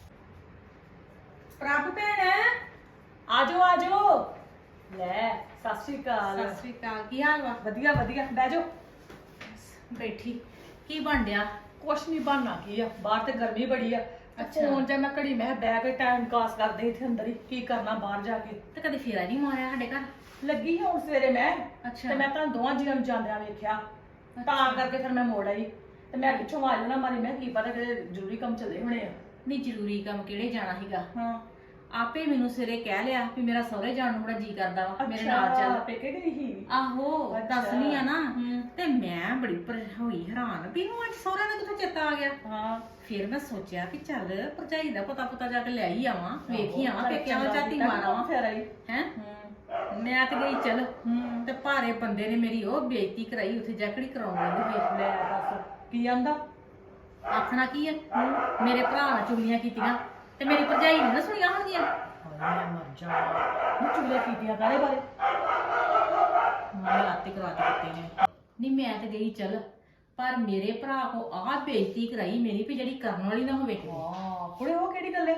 Speaker 4: ਪ੍ਰਭ ਭੈਣ ਆਜੋ ਆਜੋ। ਲੈ ਸਤਿ ਸ਼੍ਰੀ ਅਕਾਲ।
Speaker 3: ਸਤਿ ਸ੍ਰੀ ਅਕਾਲ, ਕੀ ਹਾਲ ਵਾ?
Speaker 4: ਵਧੀਆ ਵਧੀਆ, ਬਹਿ ਜਾਓ।
Speaker 3: ਬੈਠੀ। ਕੀ ਬਣ ਡਿਆ?
Speaker 4: ਕੁਛ ਨਹੀਂ ਬਣਨਾ ਕੀ ਆ, ਬਾਹਰ ਤੇ ਗਰਮੀ ਬੜੀ ਆ। ਫੋਨ ਜਾਂ ਮੈਂ ਘੜੀ ਮੈਂ ਬਹਿ ਕੇ ਟਾਈਮ ਪਾਸ ਕਰਦੇ ਇੱਥੇ ਅੰਦਰ ਹੀ, ਕੀ ਕਰਨਾ ਬਾਹਰ ਜਾ ਕੇ।
Speaker 3: ਤੇ ਕਦੇ ਫੇਰਾ ਨਹੀਂ ਮਾਰਿਆ ਸਾਡੇ ਘਰ?
Speaker 4: ਲੱਗੀ ਸੀ ਹੁਣ ਸਵੇਰੇ ਮੈਂ,
Speaker 3: ਅੱਛਾ।
Speaker 4: ਤੇ ਮੈਂ ਤਾਂ ਦੋਵਾਂ ਜੀਆਂ ਨੂੰ ਜਾਂਦਿਆਂ ਵੇਖਿਆ, ਤਾਂ ਕਰਕੇ ਫਿਰ ਮੈਂ ਮੋੜ ਆਈ। ਤੇ ਮੈਂ ਪਿੱਛੋਂ ਆਵਾਜ਼ ਨਾ ਮਾਰੀ, ਮੈਂ ਕੀ ਪਤਾ ਕਿ ਜ਼ਰੂਰੀ ਕੰਮ ਚੱਲੇ ਹੋਣੇ ਆ।
Speaker 3: ਨਹੀਂ ਜ਼ਰੂਰੀ ਕੰਮ ਕਿਹੜੇ ਜਾਣਾ ਸੀਗਾ?
Speaker 4: ਹਾਂ
Speaker 3: ਆਪੇ ਮੈਨੂੰ ਸਵੇਰੇ ਕਹਿ ਲਿਆ ਵੀ ਮੇਰਾ ਸਹੁਰੇ ਜਾਣ ਨੂੰ ਬੜਾ ਜੀ ਕਰਦਾ ਵਾ, ਮੇਰੇ ਨਾਲ ਚੱਲ।
Speaker 4: ਪੇਕੇ ਗਈ ਸੀ?
Speaker 3: ਆਹੋ
Speaker 4: ਅੱਛਾ।
Speaker 3: ਦੱਸਣੀ ਆ ਨਾ।
Speaker 4: ਹੂੰ।
Speaker 3: ਤੇ ਮੈਂ ਬੜੀ ਹੋਈ ਹੈਰਾਨ ਵੀ ਇਹਨੂੰ ਅੱਜ ਸਹੁਰੇ ਦਾ ਕਿੱਥੋਂ ਚੇਤਾ ਆ ਗਿਆ।
Speaker 4: ਹਾਂ
Speaker 3: ਫਿਰ ਮੈਂ ਸੋਚਿਆ ਕਿ ਚੱਲ ਭਰਜਾਈ ਦਾ ਪਤਾ ਜਾ ਕੇ ਲੈ ਹੀ ਆਵਾਂ, ਵੇਖ ਹੀ ਆਵਾਂ,
Speaker 4: ਆਹੋ,
Speaker 3: ਪੇਕਿਆਂ ਦਾ ਝਾਤੀ ਮਾਰਾਂ
Speaker 4: ਫਿਰ ਆਈ।
Speaker 3: ਹੈ।
Speaker 4: ਹੂੰ
Speaker 3: ਮੈਂ ਤੇ ਗਈ ਚੱਲ,
Speaker 4: ਹੂੰ
Speaker 3: ਤੇ ਭਾਰੇ ਬੰਦੇ ਨੇ ਮੇਰੀ ਉਹ ਬੇਇੱਜ਼ਤੀ ਕਰਾਈ ਉੱਥੇ ਜੈਕੜੀ ਕਰਾਉਣ ਲੱਗੇ। ਵੇਖ
Speaker 4: ਲੈ ਦੱਸ ਕੀ ਆਂਦਾ।
Speaker 3: ਆਖਣਾ ਕੀ ਆ, ਮੇਰੇ ਭਰਾ ਨਾਲ ਚੁਗਲੀਆਂ ਕੀਤੀਆਂ ਤੇ ਮੇਰੀ ਭਰਜਾਈ ਨੇ ਨਾ ਸੁਣੀਆਂ ਹੋਣਗੀਆਂ।
Speaker 4: ਹਾਏ ਮੈਂ ਮਰ ਜਾ। ਨੂੰ ਚੁਗਲੀਆਂ ਕੀਤੀਆਂ ਕਾਹਦੇ ਬਾਰੇ? ਹਾਂ ਰਾਤੀ ਕਰਾ ਕੇ ਦਿੱਤੇ ਨੇ ਨਹੀਂ ਮੈਂ ਤੇ ਗਈ ਚੱਲ ਪਰ ਮੇਰੇ ਭਰਾ ਕੋ ਆਹ ਬੇਇੱਜ਼ਤੀ ਕਰਾਈ ਮੇਰੀ ਵੀ ਜਿਹੜੀ ਕਰਨ ਵਾਲੀ ਨਾ ਹੋਵੇ
Speaker 7: ਹਾਂ ਕੁੜੇ ਉਹ ਕਿਹੜੀ ਗੱਲ ਹੈ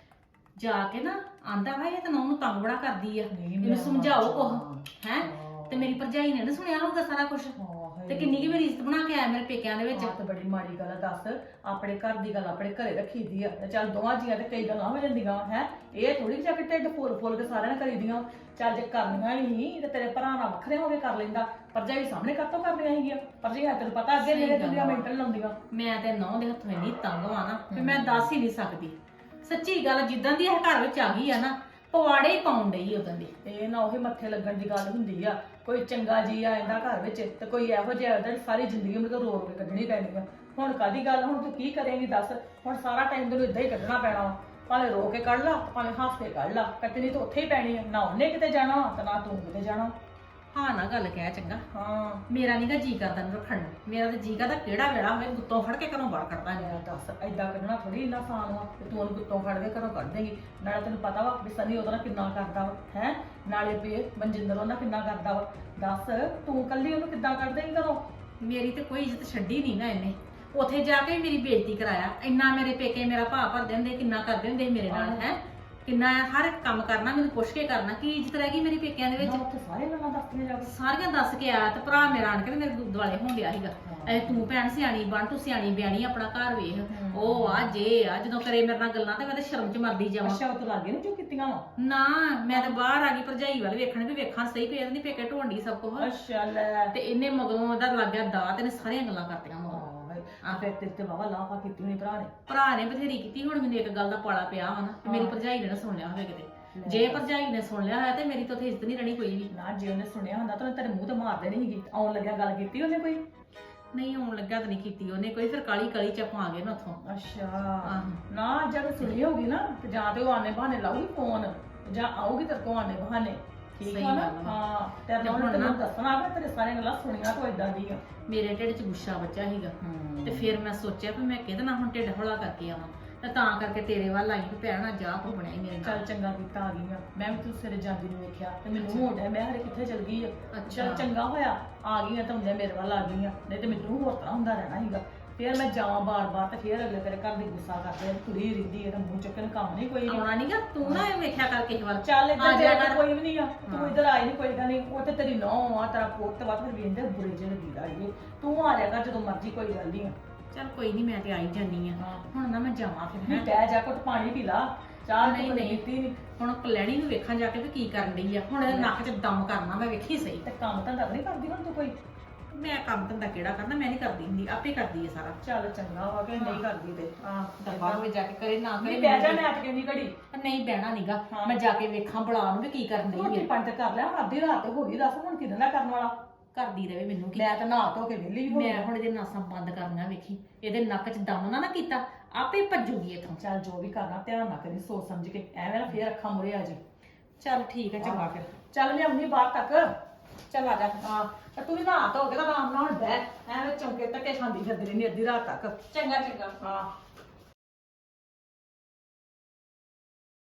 Speaker 4: ਜਾ ਕੇ ਨਾ ਆਂਦਾ ਵਾ ਇਹ ਤਾਂ ਨੌਂ ਨੂੰ ਤੰਗ ਬੜਾ ਕਰਦੀ ਆ
Speaker 7: ਨਹੀਂ,
Speaker 4: ਇਹਨੂੰ
Speaker 7: ਮੈਂ
Speaker 4: ਸਮਝਾਓ
Speaker 7: ਹਾਂ।
Speaker 4: ਕੁਛ ਹੈ ਤੇ ਮੇਰੀ ਭਰਜਾਈ ਨੇ ਨਾ ਸੁਣਿਆ ਹੋਊਗਾ ਸਾਰਾ ਕੁਝ ਤੇ ਕਿੰਨੀ ਕੀ ਮੇਰੀ ਇੱਜ਼ਤ ਬਣਾ ਕੇ ਆਇਆ ਮੇਰੇ ਪੇਕਿਆਂ ਦੇ ਵਿੱਚ
Speaker 7: ਆਹ ਤਾਂ ਬੜੀ ਮਾੜੀ ਗੱਲ ਆ ਦੱਸ ਆਪਣੇ ਘਰ ਦੀ ਗੱਲ ਆਪਣੇ ਘਰੇ ਰੱਖੀਦੀ ਆ ਤੇ ਚੱਲ ਦੋਵਾਂ ਜੀਆਂ ਤੇ ਕਈ ਗੱਲਾਂ ਹੋ ਜਾਂਦੀਆਂ ਹੈ ਇਹ ਥੋੜੀ ਜਾ ਕੇ ਢਿੱਡ ਫੁੱਲ ਕੇ ਸਾਰਿਆਂ ਨੇ ਕਰੀਦੀਆਂ ਚੱਲ ਜੇ ਕਰਨੀਆਂ ਨਹੀਂ ਤੇ ਤੇਰੇ ਭਰਾ ਨਾਲ ਵੱਖਰੇ ਹੋ ਕੇ ਕਰ ਲੈਂਦਾ ਭਰਜਾਈ ਸਾਹਮਣੇ ਕਾਹਤੋਂ ਕਰਨੀਆਂ ਹੈਗੀਆਂ ਭਰਜਾਈ ਤੈਨੂੰ ਪਤਾ ਅੱਗੇ
Speaker 4: ਸਹੀ
Speaker 7: ਮੇਰੇ
Speaker 4: ਗੱਲ
Speaker 7: ਦੁਨੀਆ
Speaker 4: ਆ।
Speaker 7: ਮੈਂਟਲ ਲਾਉਂਦੀਆਂ
Speaker 4: ਮੈਂ ਤੇ ਨੌਂ ਦੇ ਹੱਥੋਂ ਇੰਨੀ ਤੰਗ ਆ ਨਾ ਵੀ ਮੈਂ ਦੱਸ ਹੀ ਨਹੀਂ ਸਕਦੀ ਸੱਚੀ ਗੱਲ ਜਿੱਦਾਂ ਦੀ ਇਹ ਘਰ ਵਿੱਚ ਆ ਗਈ ਆ ਨਾ ਪਵਾੜੇ ਹੀ ਪਾਉਣ ਡਈ ਉਦੋਂ ਦੀ
Speaker 7: ਇਹ ਨਾ ਉਹੀ ਮੱਥੇ ਲੱਗਣ ਦੀ ਗੱਲ ਹੁੰਦੀ ਆ ਕੋਈ ਚੰਗਾ ਜੀ ਆ ਇਹਦਾ ਘਰ ਵਿੱਚ ਤੇ ਕੋਈ ਇਹੋ ਜਿਹਾ ਉਹਦਾ ਸਾਰੀ ਜ਼ਿੰਦਗੀ ਮੈਨੂੰ ਰੋ ਕੇ ਕੱਢਣੀ ਪੈਣੀ ਆ ਹੁਣ ਕਾਦੀ ਗੱਲ ਹੁਣ ਤੂੰ ਕੀ ਕਰੇਂਗੀ ਦੱਸ ਹੁਣ ਸਾਰਾ ਟਾਈਮ ਤੈਨੂੰ ਇਦਾਂ ਹੀ ਕੱਢਣਾ ਪੈਣਾ ਵਾ। ਭਾਵੇਂ ਰੋ ਕੇ ਕੱਢ ਲਾ ਭਾਵੇਂ ਹੱਸ ਕੇ ਕੱਢ ਲਾ ਕੱਟਣੀ ਤਾਂ ਉੱਥੇ ਹੀ ਪੈਣੀ ਆ ਨਾ ਉਹਨੇ ਕਿਤੇ ਜਾਣਾ ਤੇ ਨਾ ਤੂੰ ਕਿਤੇ ਜਾਣਾ
Speaker 4: ਹਾਂ ਨਾ ਗੱਲ ਕਹਿ ਚੰਗਾ
Speaker 7: ਹਾਂ
Speaker 4: ਮੇਰਾ ਨੀਗਾ ਜੀ ਕਰਦਾ ਨੂੰ ਰੱਖਣ ਨੂੰ ਮੇਰਾ ਤਾਂ ਜੀ ਕਰਦਾ ਕਿਹੜਾ ਵੇੜਾ ਹੋਵੇ ਗੁੱਤੋਂ ਫੜ ਕੇ ਘਰੋਂ ਬਾਹਰ ਕੱਢਦਾ
Speaker 7: ਮੈਂ ਦੱਸ ਏਦਾਂ ਕੱਢਣਾ ਥੋੜੀ ਇੰਨਾ ਆਸਾਨ ਵਾ ਤੇ ਤੂੰ ਉਹਨੂੰ ਗੁੱਤੋਂ ਫੜ ਕੇ ਘਰੋਂ ਕੱਢ ਦੇਂਗੀ ਨਾਲੇ ਤੈਨੂੰ ਪਤਾ ਵਾ ਵੀ ਸਨੀ ਉਹਦਾ ਨਾਲ ਕਿੰਨਾ ਕਰਦਾ ਵਾ ਹੈ ਨਾਲੇ ਵੀ ਮਨਜਿੰਦਰ ਉਹਨਾਂ ਕਿੰਨਾ ਕਰਦਾ ਵਾ ਦੱਸ ਤੂੰ ਕੱਲੀ ਉਹਨੂੰ ਕਿੱਦਾਂ ਕੱਢ ਦੇਂਗੀ ਘਰੋਂ
Speaker 4: ਮੇਰੀ ਤੇ ਕੋਈ ਇੱਜ਼ਤ ਛੱਡੀ ਨਹੀਂ ਨਾ ਇਹਨੇ ਉੱਥੇ ਜਾ ਕੇ ਮੇਰੀ ਬੇਇੱਜ਼ਤੀ ਕਰਾਇਆ ਇੰਨਾ ਮੇਰੇ ਪੇਕੇ ਮੇਰਾ ਭਾ ਭਰਦੇ ਹੁੰਦੇ ਕਿੰਨਾ ਕਰਦੇ ਹੁੰਦੇ ਸੀ ਮੇਰੇ ਨਾਲ ਹੈ ਕਿੰਨਾ ਹਰ ਇੱਕ ਕੰਮ ਕਰਨਾ ਮੈਨੂੰ ਪੁੱਛ ਕੇ ਕਰਨਾ ਕੀ ਇੱਜ਼ਤ ਰਹਿ ਗਈ ਮੇਰੀ ਪੇਕਿਆਂ ਦੇ ਵਿੱਚ
Speaker 7: ਨਾ ਉੱਥੇ ਸਾਰੇ ਗੱਲਾਂ ਦੱਸਦੀਆਂ ਜਾ ਕੇ
Speaker 4: ਸਾਰੀਆਂ ਦੱਸ ਕੇ ਆਇਆ ਤੇ ਭਰਾ ਮੇਰਾ ਆਣ ਕੇ ਤੇ ਮੇਰੇ ਦੁਆਲੇ ਹੋਣ ਡਿਆ ਸੀਗਾ ਐ ਤੂੰ ਭੈਣ ਸਿਆਣੀ ਬਣ ਤੂੰ ਸਿਆਣੀ ਬਿਆਣੀ ਆਪਣਾ ਘਰ ਵੇਖ ਉਹ ਆ ਜੇ ਆ ਜਦੋਂ ਕਰੇ ਮੇਰੇ ਨਾਲ ਗੱਲਾਂ ਤੇ ਮੈਂ ਤੇ ਸ਼ਰਮ ਚ ਮਰਦੀ ਜਾਵਾਂ
Speaker 7: ਅੱਛਾ ਉਹ ਤੋਂ ਲੱਗੇ ਨੀ ਜੋ ਕੀਤੀਆਂ ਵਾ
Speaker 4: ਨਾ ਮੈਂ ਤਾਂ ਬਾਹਰ ਆ ਗਈ ਭਰਜਾਈ ਵੱਲ ਵੇਖਣ ਵੀ ਵੇਖਾਂ ਸਹੀ ਪਈ ਇਹਦੀ ਪੇਕੇ ਢੋਂਡੀ ਸਭ ਕੁਝ
Speaker 7: ਅੱਛਾ ਲੈ
Speaker 4: ਤੇ ਇਹਨੇ ਮਗਰੋਂ ਉਹਦਾ ਲੱਗ ਗਿਆ ਦਾ ਤੇ ਇਹਨੇ ਸਾਰੀਆਂ ਗੱਲਾਂ ਕਰਤੀਆਂ ਮਗਰੋਂ
Speaker 7: ਆ ਫਿਰ ਤੇ ਬਾਬਾ ਲਾਫਾ ਕੀਤੀ ਹੋਣੀ ਭਰਾ ਨੇ
Speaker 4: ਭਰਾ ਨੇ ਬਥੇਰੀ ਕੀਤੀ ਹੁਣ ਮੈਨੂੰ ਇੱਕ ਗੱਲ ਦਾ ਪਾਲਾ ਪਿਆ ਵਾ ਨਾ ਮੇਰੀ ਭਰਜਾਈ ਨੇ ਨਾ ਸੁਣ ਲਿਆ ਹੋਵੇ ਕਿਤੇ ਜੇ ਭਰਜਾਈ ਨੇ ਸੁਣ ਲਿਆ ਹੋਇਆ ਤੇ ਮੇਰੀ ਤਾਂ ਉੱਥੇ ਇੱਜ਼ਤ ਨਹੀਂ ਰਹਿਣੀ ਕੋਈ ਵੀ
Speaker 7: ਨਾ ਜੇ ਉਹਨੇ ਸੁਣਿਆ ਹੁੰਦਾ ਤਾਂ ਉਹਨੇ ਤੇਰੇ ਮੂੰਹ ਤੇ ਮਾਰ ਦੇਣੀ ਸੀਗੀ ਆਉਣ ਲੱਗਿਆ ਗੱਲ ਕੀਤੀ ਉਹਨੇ ਕੋਈ
Speaker 4: ਨਹੀਂ ਆਉਣ ਲੱਗਾ ਤਾਂ ਨਹੀਂ ਕੀਤੀ ਉਹਨੇ ਕੋਈ ਫਿਰ ਕਾਲੀ ਕਾਲੀ ਚ ਆਪਾਂ ਆ ਗਏ ਨਾ ਉੱਥੋਂ
Speaker 7: ਅੱਛਾ ਨਾ ਜਦ ਸੁਣੀ ਹੋਗੀ ਨਾ ਤੇ ਜਾਂ ਤੇ ਉਹ ਆਨੇ ਬਹਾਨੇ ਲਾਊਗੀ ਫੋਨ ਜਾਂ ਆਊਗੀ ਤੇਰੇ ਕੋਲ ਆਨੇ ਬਹਾਨੇ ਠੀਕ
Speaker 4: ਸਹੀ
Speaker 7: ਆ ਨਾ
Speaker 4: ਗੱਲ ਆ।
Speaker 7: ਹਾਂ ਤੇ
Speaker 4: ਤੇ
Speaker 7: ਹੁਣ
Speaker 4: ਹੁਣ
Speaker 7: ਤੈਨੂੰ
Speaker 4: ਨਾ-
Speaker 7: ਦੱਸਣਾ ਕਿ ਤੇਰੇ ਸਾਰੀਆਂ ਗੱਲਾਂ ਸੁਣੀਆਂ ਤੋਂ ਇਦਾਂ ਦੀਆਂ
Speaker 4: ਮੇਰੇ ਢਿੱਡ 'ਚ ਗੁੱਸਾ ਬੱਚਾ ਸੀਗਾ ਤੇ ਫਿਰ ਮੈਂ ਸੋਚਿਆ ਵੀ ਮੈਂ ਕਿਹਦੇ ਨਾਲ ਹੁਣ ਢਿੱਡ ਹੌਲਾ ਕਰਕੇ ਆਵਾਂ ਤੇ ਤਾਂ ਕਰਕੇ ਤੇਰੇ ਵੱਲ ਆਈ ਵੀ ਭੈਣਾ ਜਾ ਕੋ ਬਣਿਆ ਹੀ ਮੇਰੇ ਨਾਲ
Speaker 7: ਚੱਲ ਚੰਗਾ ਕੀਤਾ ਆ ਗਈ ਆ ਮੈਂ ਵੀ ਤੂੰ ਸਵੇਰੇ ਜਾਂਦੀ ਨੂੰ ਵੇਖਿਆ ਤੇ ਮੈਨੂੰ ਹੋਣ ਡਿਆ ਮੈਂ ਹਰੇ ਕਿੱਥੇ ਚਲ ਗਈ ਆ ਚੱਲ ਚੰਗਾ ਹੋਇਆ ਆ ਗਈ ਆ ਤਾਂ ਹੁੰਦੇ ਮੇਰੇ ਵੱਲ ਆ ਗਈ ਆ ਨਹੀਂ ਤੇ ਮੈਨੂੰ ਹੋਰ ਤਰ੍ਹਾਂ ਹੁੰਦਾ ਰਹਿਣਾ ਸੀਗਾ ਫਿਰ ਮੈਂ ਜਾਵਾਂ ਬਾਰ-ਬਾਰ ਤੇ ਫਿਰ ਅਗਲੇ ਤੇਰੇ ਘਰ ਦੀ ਗੁੱਸਾ ਕਰਦੇ ਆ ਤੁਰੀ ਰਹਿੰਦੀ ਇਹਦਾ ਮੂੰਹ ਚੱਕਣ ਕੰਮ ਨਹੀਂ ਕੋਈ
Speaker 4: ਆਉਣਾ ਨਹੀਂਗਾ ਤੂੰ ਨਾ ਇਹ ਵੇਖਿਆ ਕਰ ਕਿਸੇ ਵੱਲ
Speaker 7: ਚੱਲ
Speaker 4: ਆ
Speaker 7: ਇੱਧਰ
Speaker 4: ਜਾ
Speaker 7: ਜਾ
Speaker 4: ਕਰ।
Speaker 7: ਕੋਈ ਵੀ ਨਹੀਂ ਆ ਤੂੰ ਇੱਧਰ ਆਈ ਨਹੀਂ ਕੋਈ ਗੱਲ ਨਹੀਂ ਉਹ ਤੇ ਤੇਰੀ ਨੌਂ ਆ ਤੇਰਾ ਪੁੱਤ ਵਾ ਫਿਰ ਵੇਂਦੇ ਬੁਰੇ ਜਿਹੇ ਲੱਗੀ ਲਾਈਏ ਤੂੰ ਆ ਜਾ ਕਰ ਜਦੋਂ ਮਰਜ਼ੀ ਕੋਈ ਗੱਲ ਨਹੀਂ ਆ
Speaker 4: ਚੱਲ ਕੋਈ ਨਹੀਂ ਮੈਂ ਤੇ ਆਈ ਜਾਨੀ ਆ
Speaker 7: ਹਾਂ।
Speaker 4: ਹੁਣ ਨਾ ਮੈਂ ਜਾਵਾਂ ਫਿਰ
Speaker 7: ਵੀ
Speaker 4: ਹੈਂ।
Speaker 7: ਬਹਿ ਜਾ ਘੁੱਟ ਪਾਣੀ ਪੀ ਲਾ ਚਾਹ
Speaker 4: ਨਹੀਂ,
Speaker 7: ਨਹੀਂ
Speaker 4: ਨਹੀਂ।
Speaker 7: ਪੀਤੀ ਨਹੀਂ
Speaker 4: ਹੁਣ ਕਲੈਣੀ ਨੂੰ ਵੇਖਾਂ ਜਾ ਕੇ ਵੀ ਕੀ ਕਰਨ ਡਈ ਆ ਹੁਣ ਇਹਦੇ ਨੱਕ 'ਚ ਦਮ ਕਰਨਾ ਮੈਂ ਵੇਖੀ ਸਹੀ
Speaker 7: ਤੇ ਕੰਮ ਤਾਂ ਨਹੀਂ ਕਰਦੀ ਹੁਣ ਤੂੰ ਕੋਈ
Speaker 4: ਮੈਂ ਕੰਮ ਧੰਦਾ ਕਿਹੜਾ ਕਰਨਾ ਮੈਂ ਨਹੀਂ ਕਰਦੀ ਹੁੰਦੀ ਆਪੇ ਕਰਦੀ ਆ ਸਾਰਾ
Speaker 7: ਚੱਲ ਚੰਗਾ ਵਾ ਕਿ ਨਹੀਂ ਕਰਦੀ ਤੇ ਹਾਂ
Speaker 4: ਦਫਾ ਹੋਵੇ ਜਾ ਕੇ ਕਰੇ ਨਾ
Speaker 7: ਨਹੀਂ
Speaker 4: ਕਰੇ
Speaker 7: ਬਹਿ ਜਾ ਮੈਂ ਅੱਜ ਕਿੰਨੀ ਘੜੀ
Speaker 4: ਨਹੀਂ ਬਹਿਣਾ ਨੀਗਾ
Speaker 7: ਹਾਂ।
Speaker 4: ਮੈਂ ਜਾ ਕੇ ਵੇਖਾਂ ਬੁਲਾ ਨੂੰ ਵੀ ਕੀ ਕਰਨ ਡਈ
Speaker 7: ਰੋਟੀ
Speaker 4: ਆ
Speaker 7: ਪਾਣੀ ਤੇ ਕਰ ਲਿਆ ਹੁਣ ਅੱਧੀ ਰਾਤ ਤੇ ਹੋ ਗਈ ਦੱਸ ਹੁਣ ਕਿਹਦੇ ਨਾਲ ਕਰਨ ਵਾਲਾ
Speaker 4: ਕਰਦੀ ਰਵੇ ਮੈਨੂੰ ਕੀ
Speaker 7: ਮੈਂ ਤਾਂ ਨਹਾ ਧੋ ਕੇ ਵਿਹਲੀ ਹੋ
Speaker 4: ਮੈਂ ਹੁਣ ਇਹਦੇ ਨਾਸਾਂ ਬੰਦ ਕਰਨਾ ਵੇਖੀ ਇਹਦੇ ਨੱਕ 'ਚ ਦਮ ਨਾ ਕੀਤਾ ਆਪੇ ਭੱਜੂਗੀ ਇੱਥੋਂ
Speaker 7: ਚੱਲ ਜੋ ਵੀ ਕਰਨਾ ਧਿਆਨ ਨਾਲ ਕਰੀ ਸੋਚ ਸਮਝ ਕੇ ਐਵੇਂ ਨਾ ਫੇਰ ਅੱਖਾਂ ਮੁਰੇ ਆ ਜੀ
Speaker 4: ਚੱਲ ਠੀਕ ਹੈ ਚੰਗਾ ਫਿਰ
Speaker 7: ਚੱਲ ਮੈਂ ਆਉਂਦੀ ਬਾਹਰ ਤੱਕ
Speaker 4: ਚੱਲ ਆ ਜਾ
Speaker 7: ਹਾਂ ਤੇ ਤੂੰ ਵੀ ਨਹਾ ਧੋ ਕੇ ਤਾਂ ਆਰਾਮ ਨਾਲ ਹੁਣ ਬਹਿ ਐਵੇਂ ਚੌਂਕੇ ਧੱਕੇ ਖਾਂਦੀ ਫਿਰਦੀ ਰਹਿੰਦੀ ਅੱਧੀ ਰਾਤ ਤੱਕ
Speaker 4: ਚੰਗਾ ਚੰਗਾ
Speaker 7: ਹਾਂ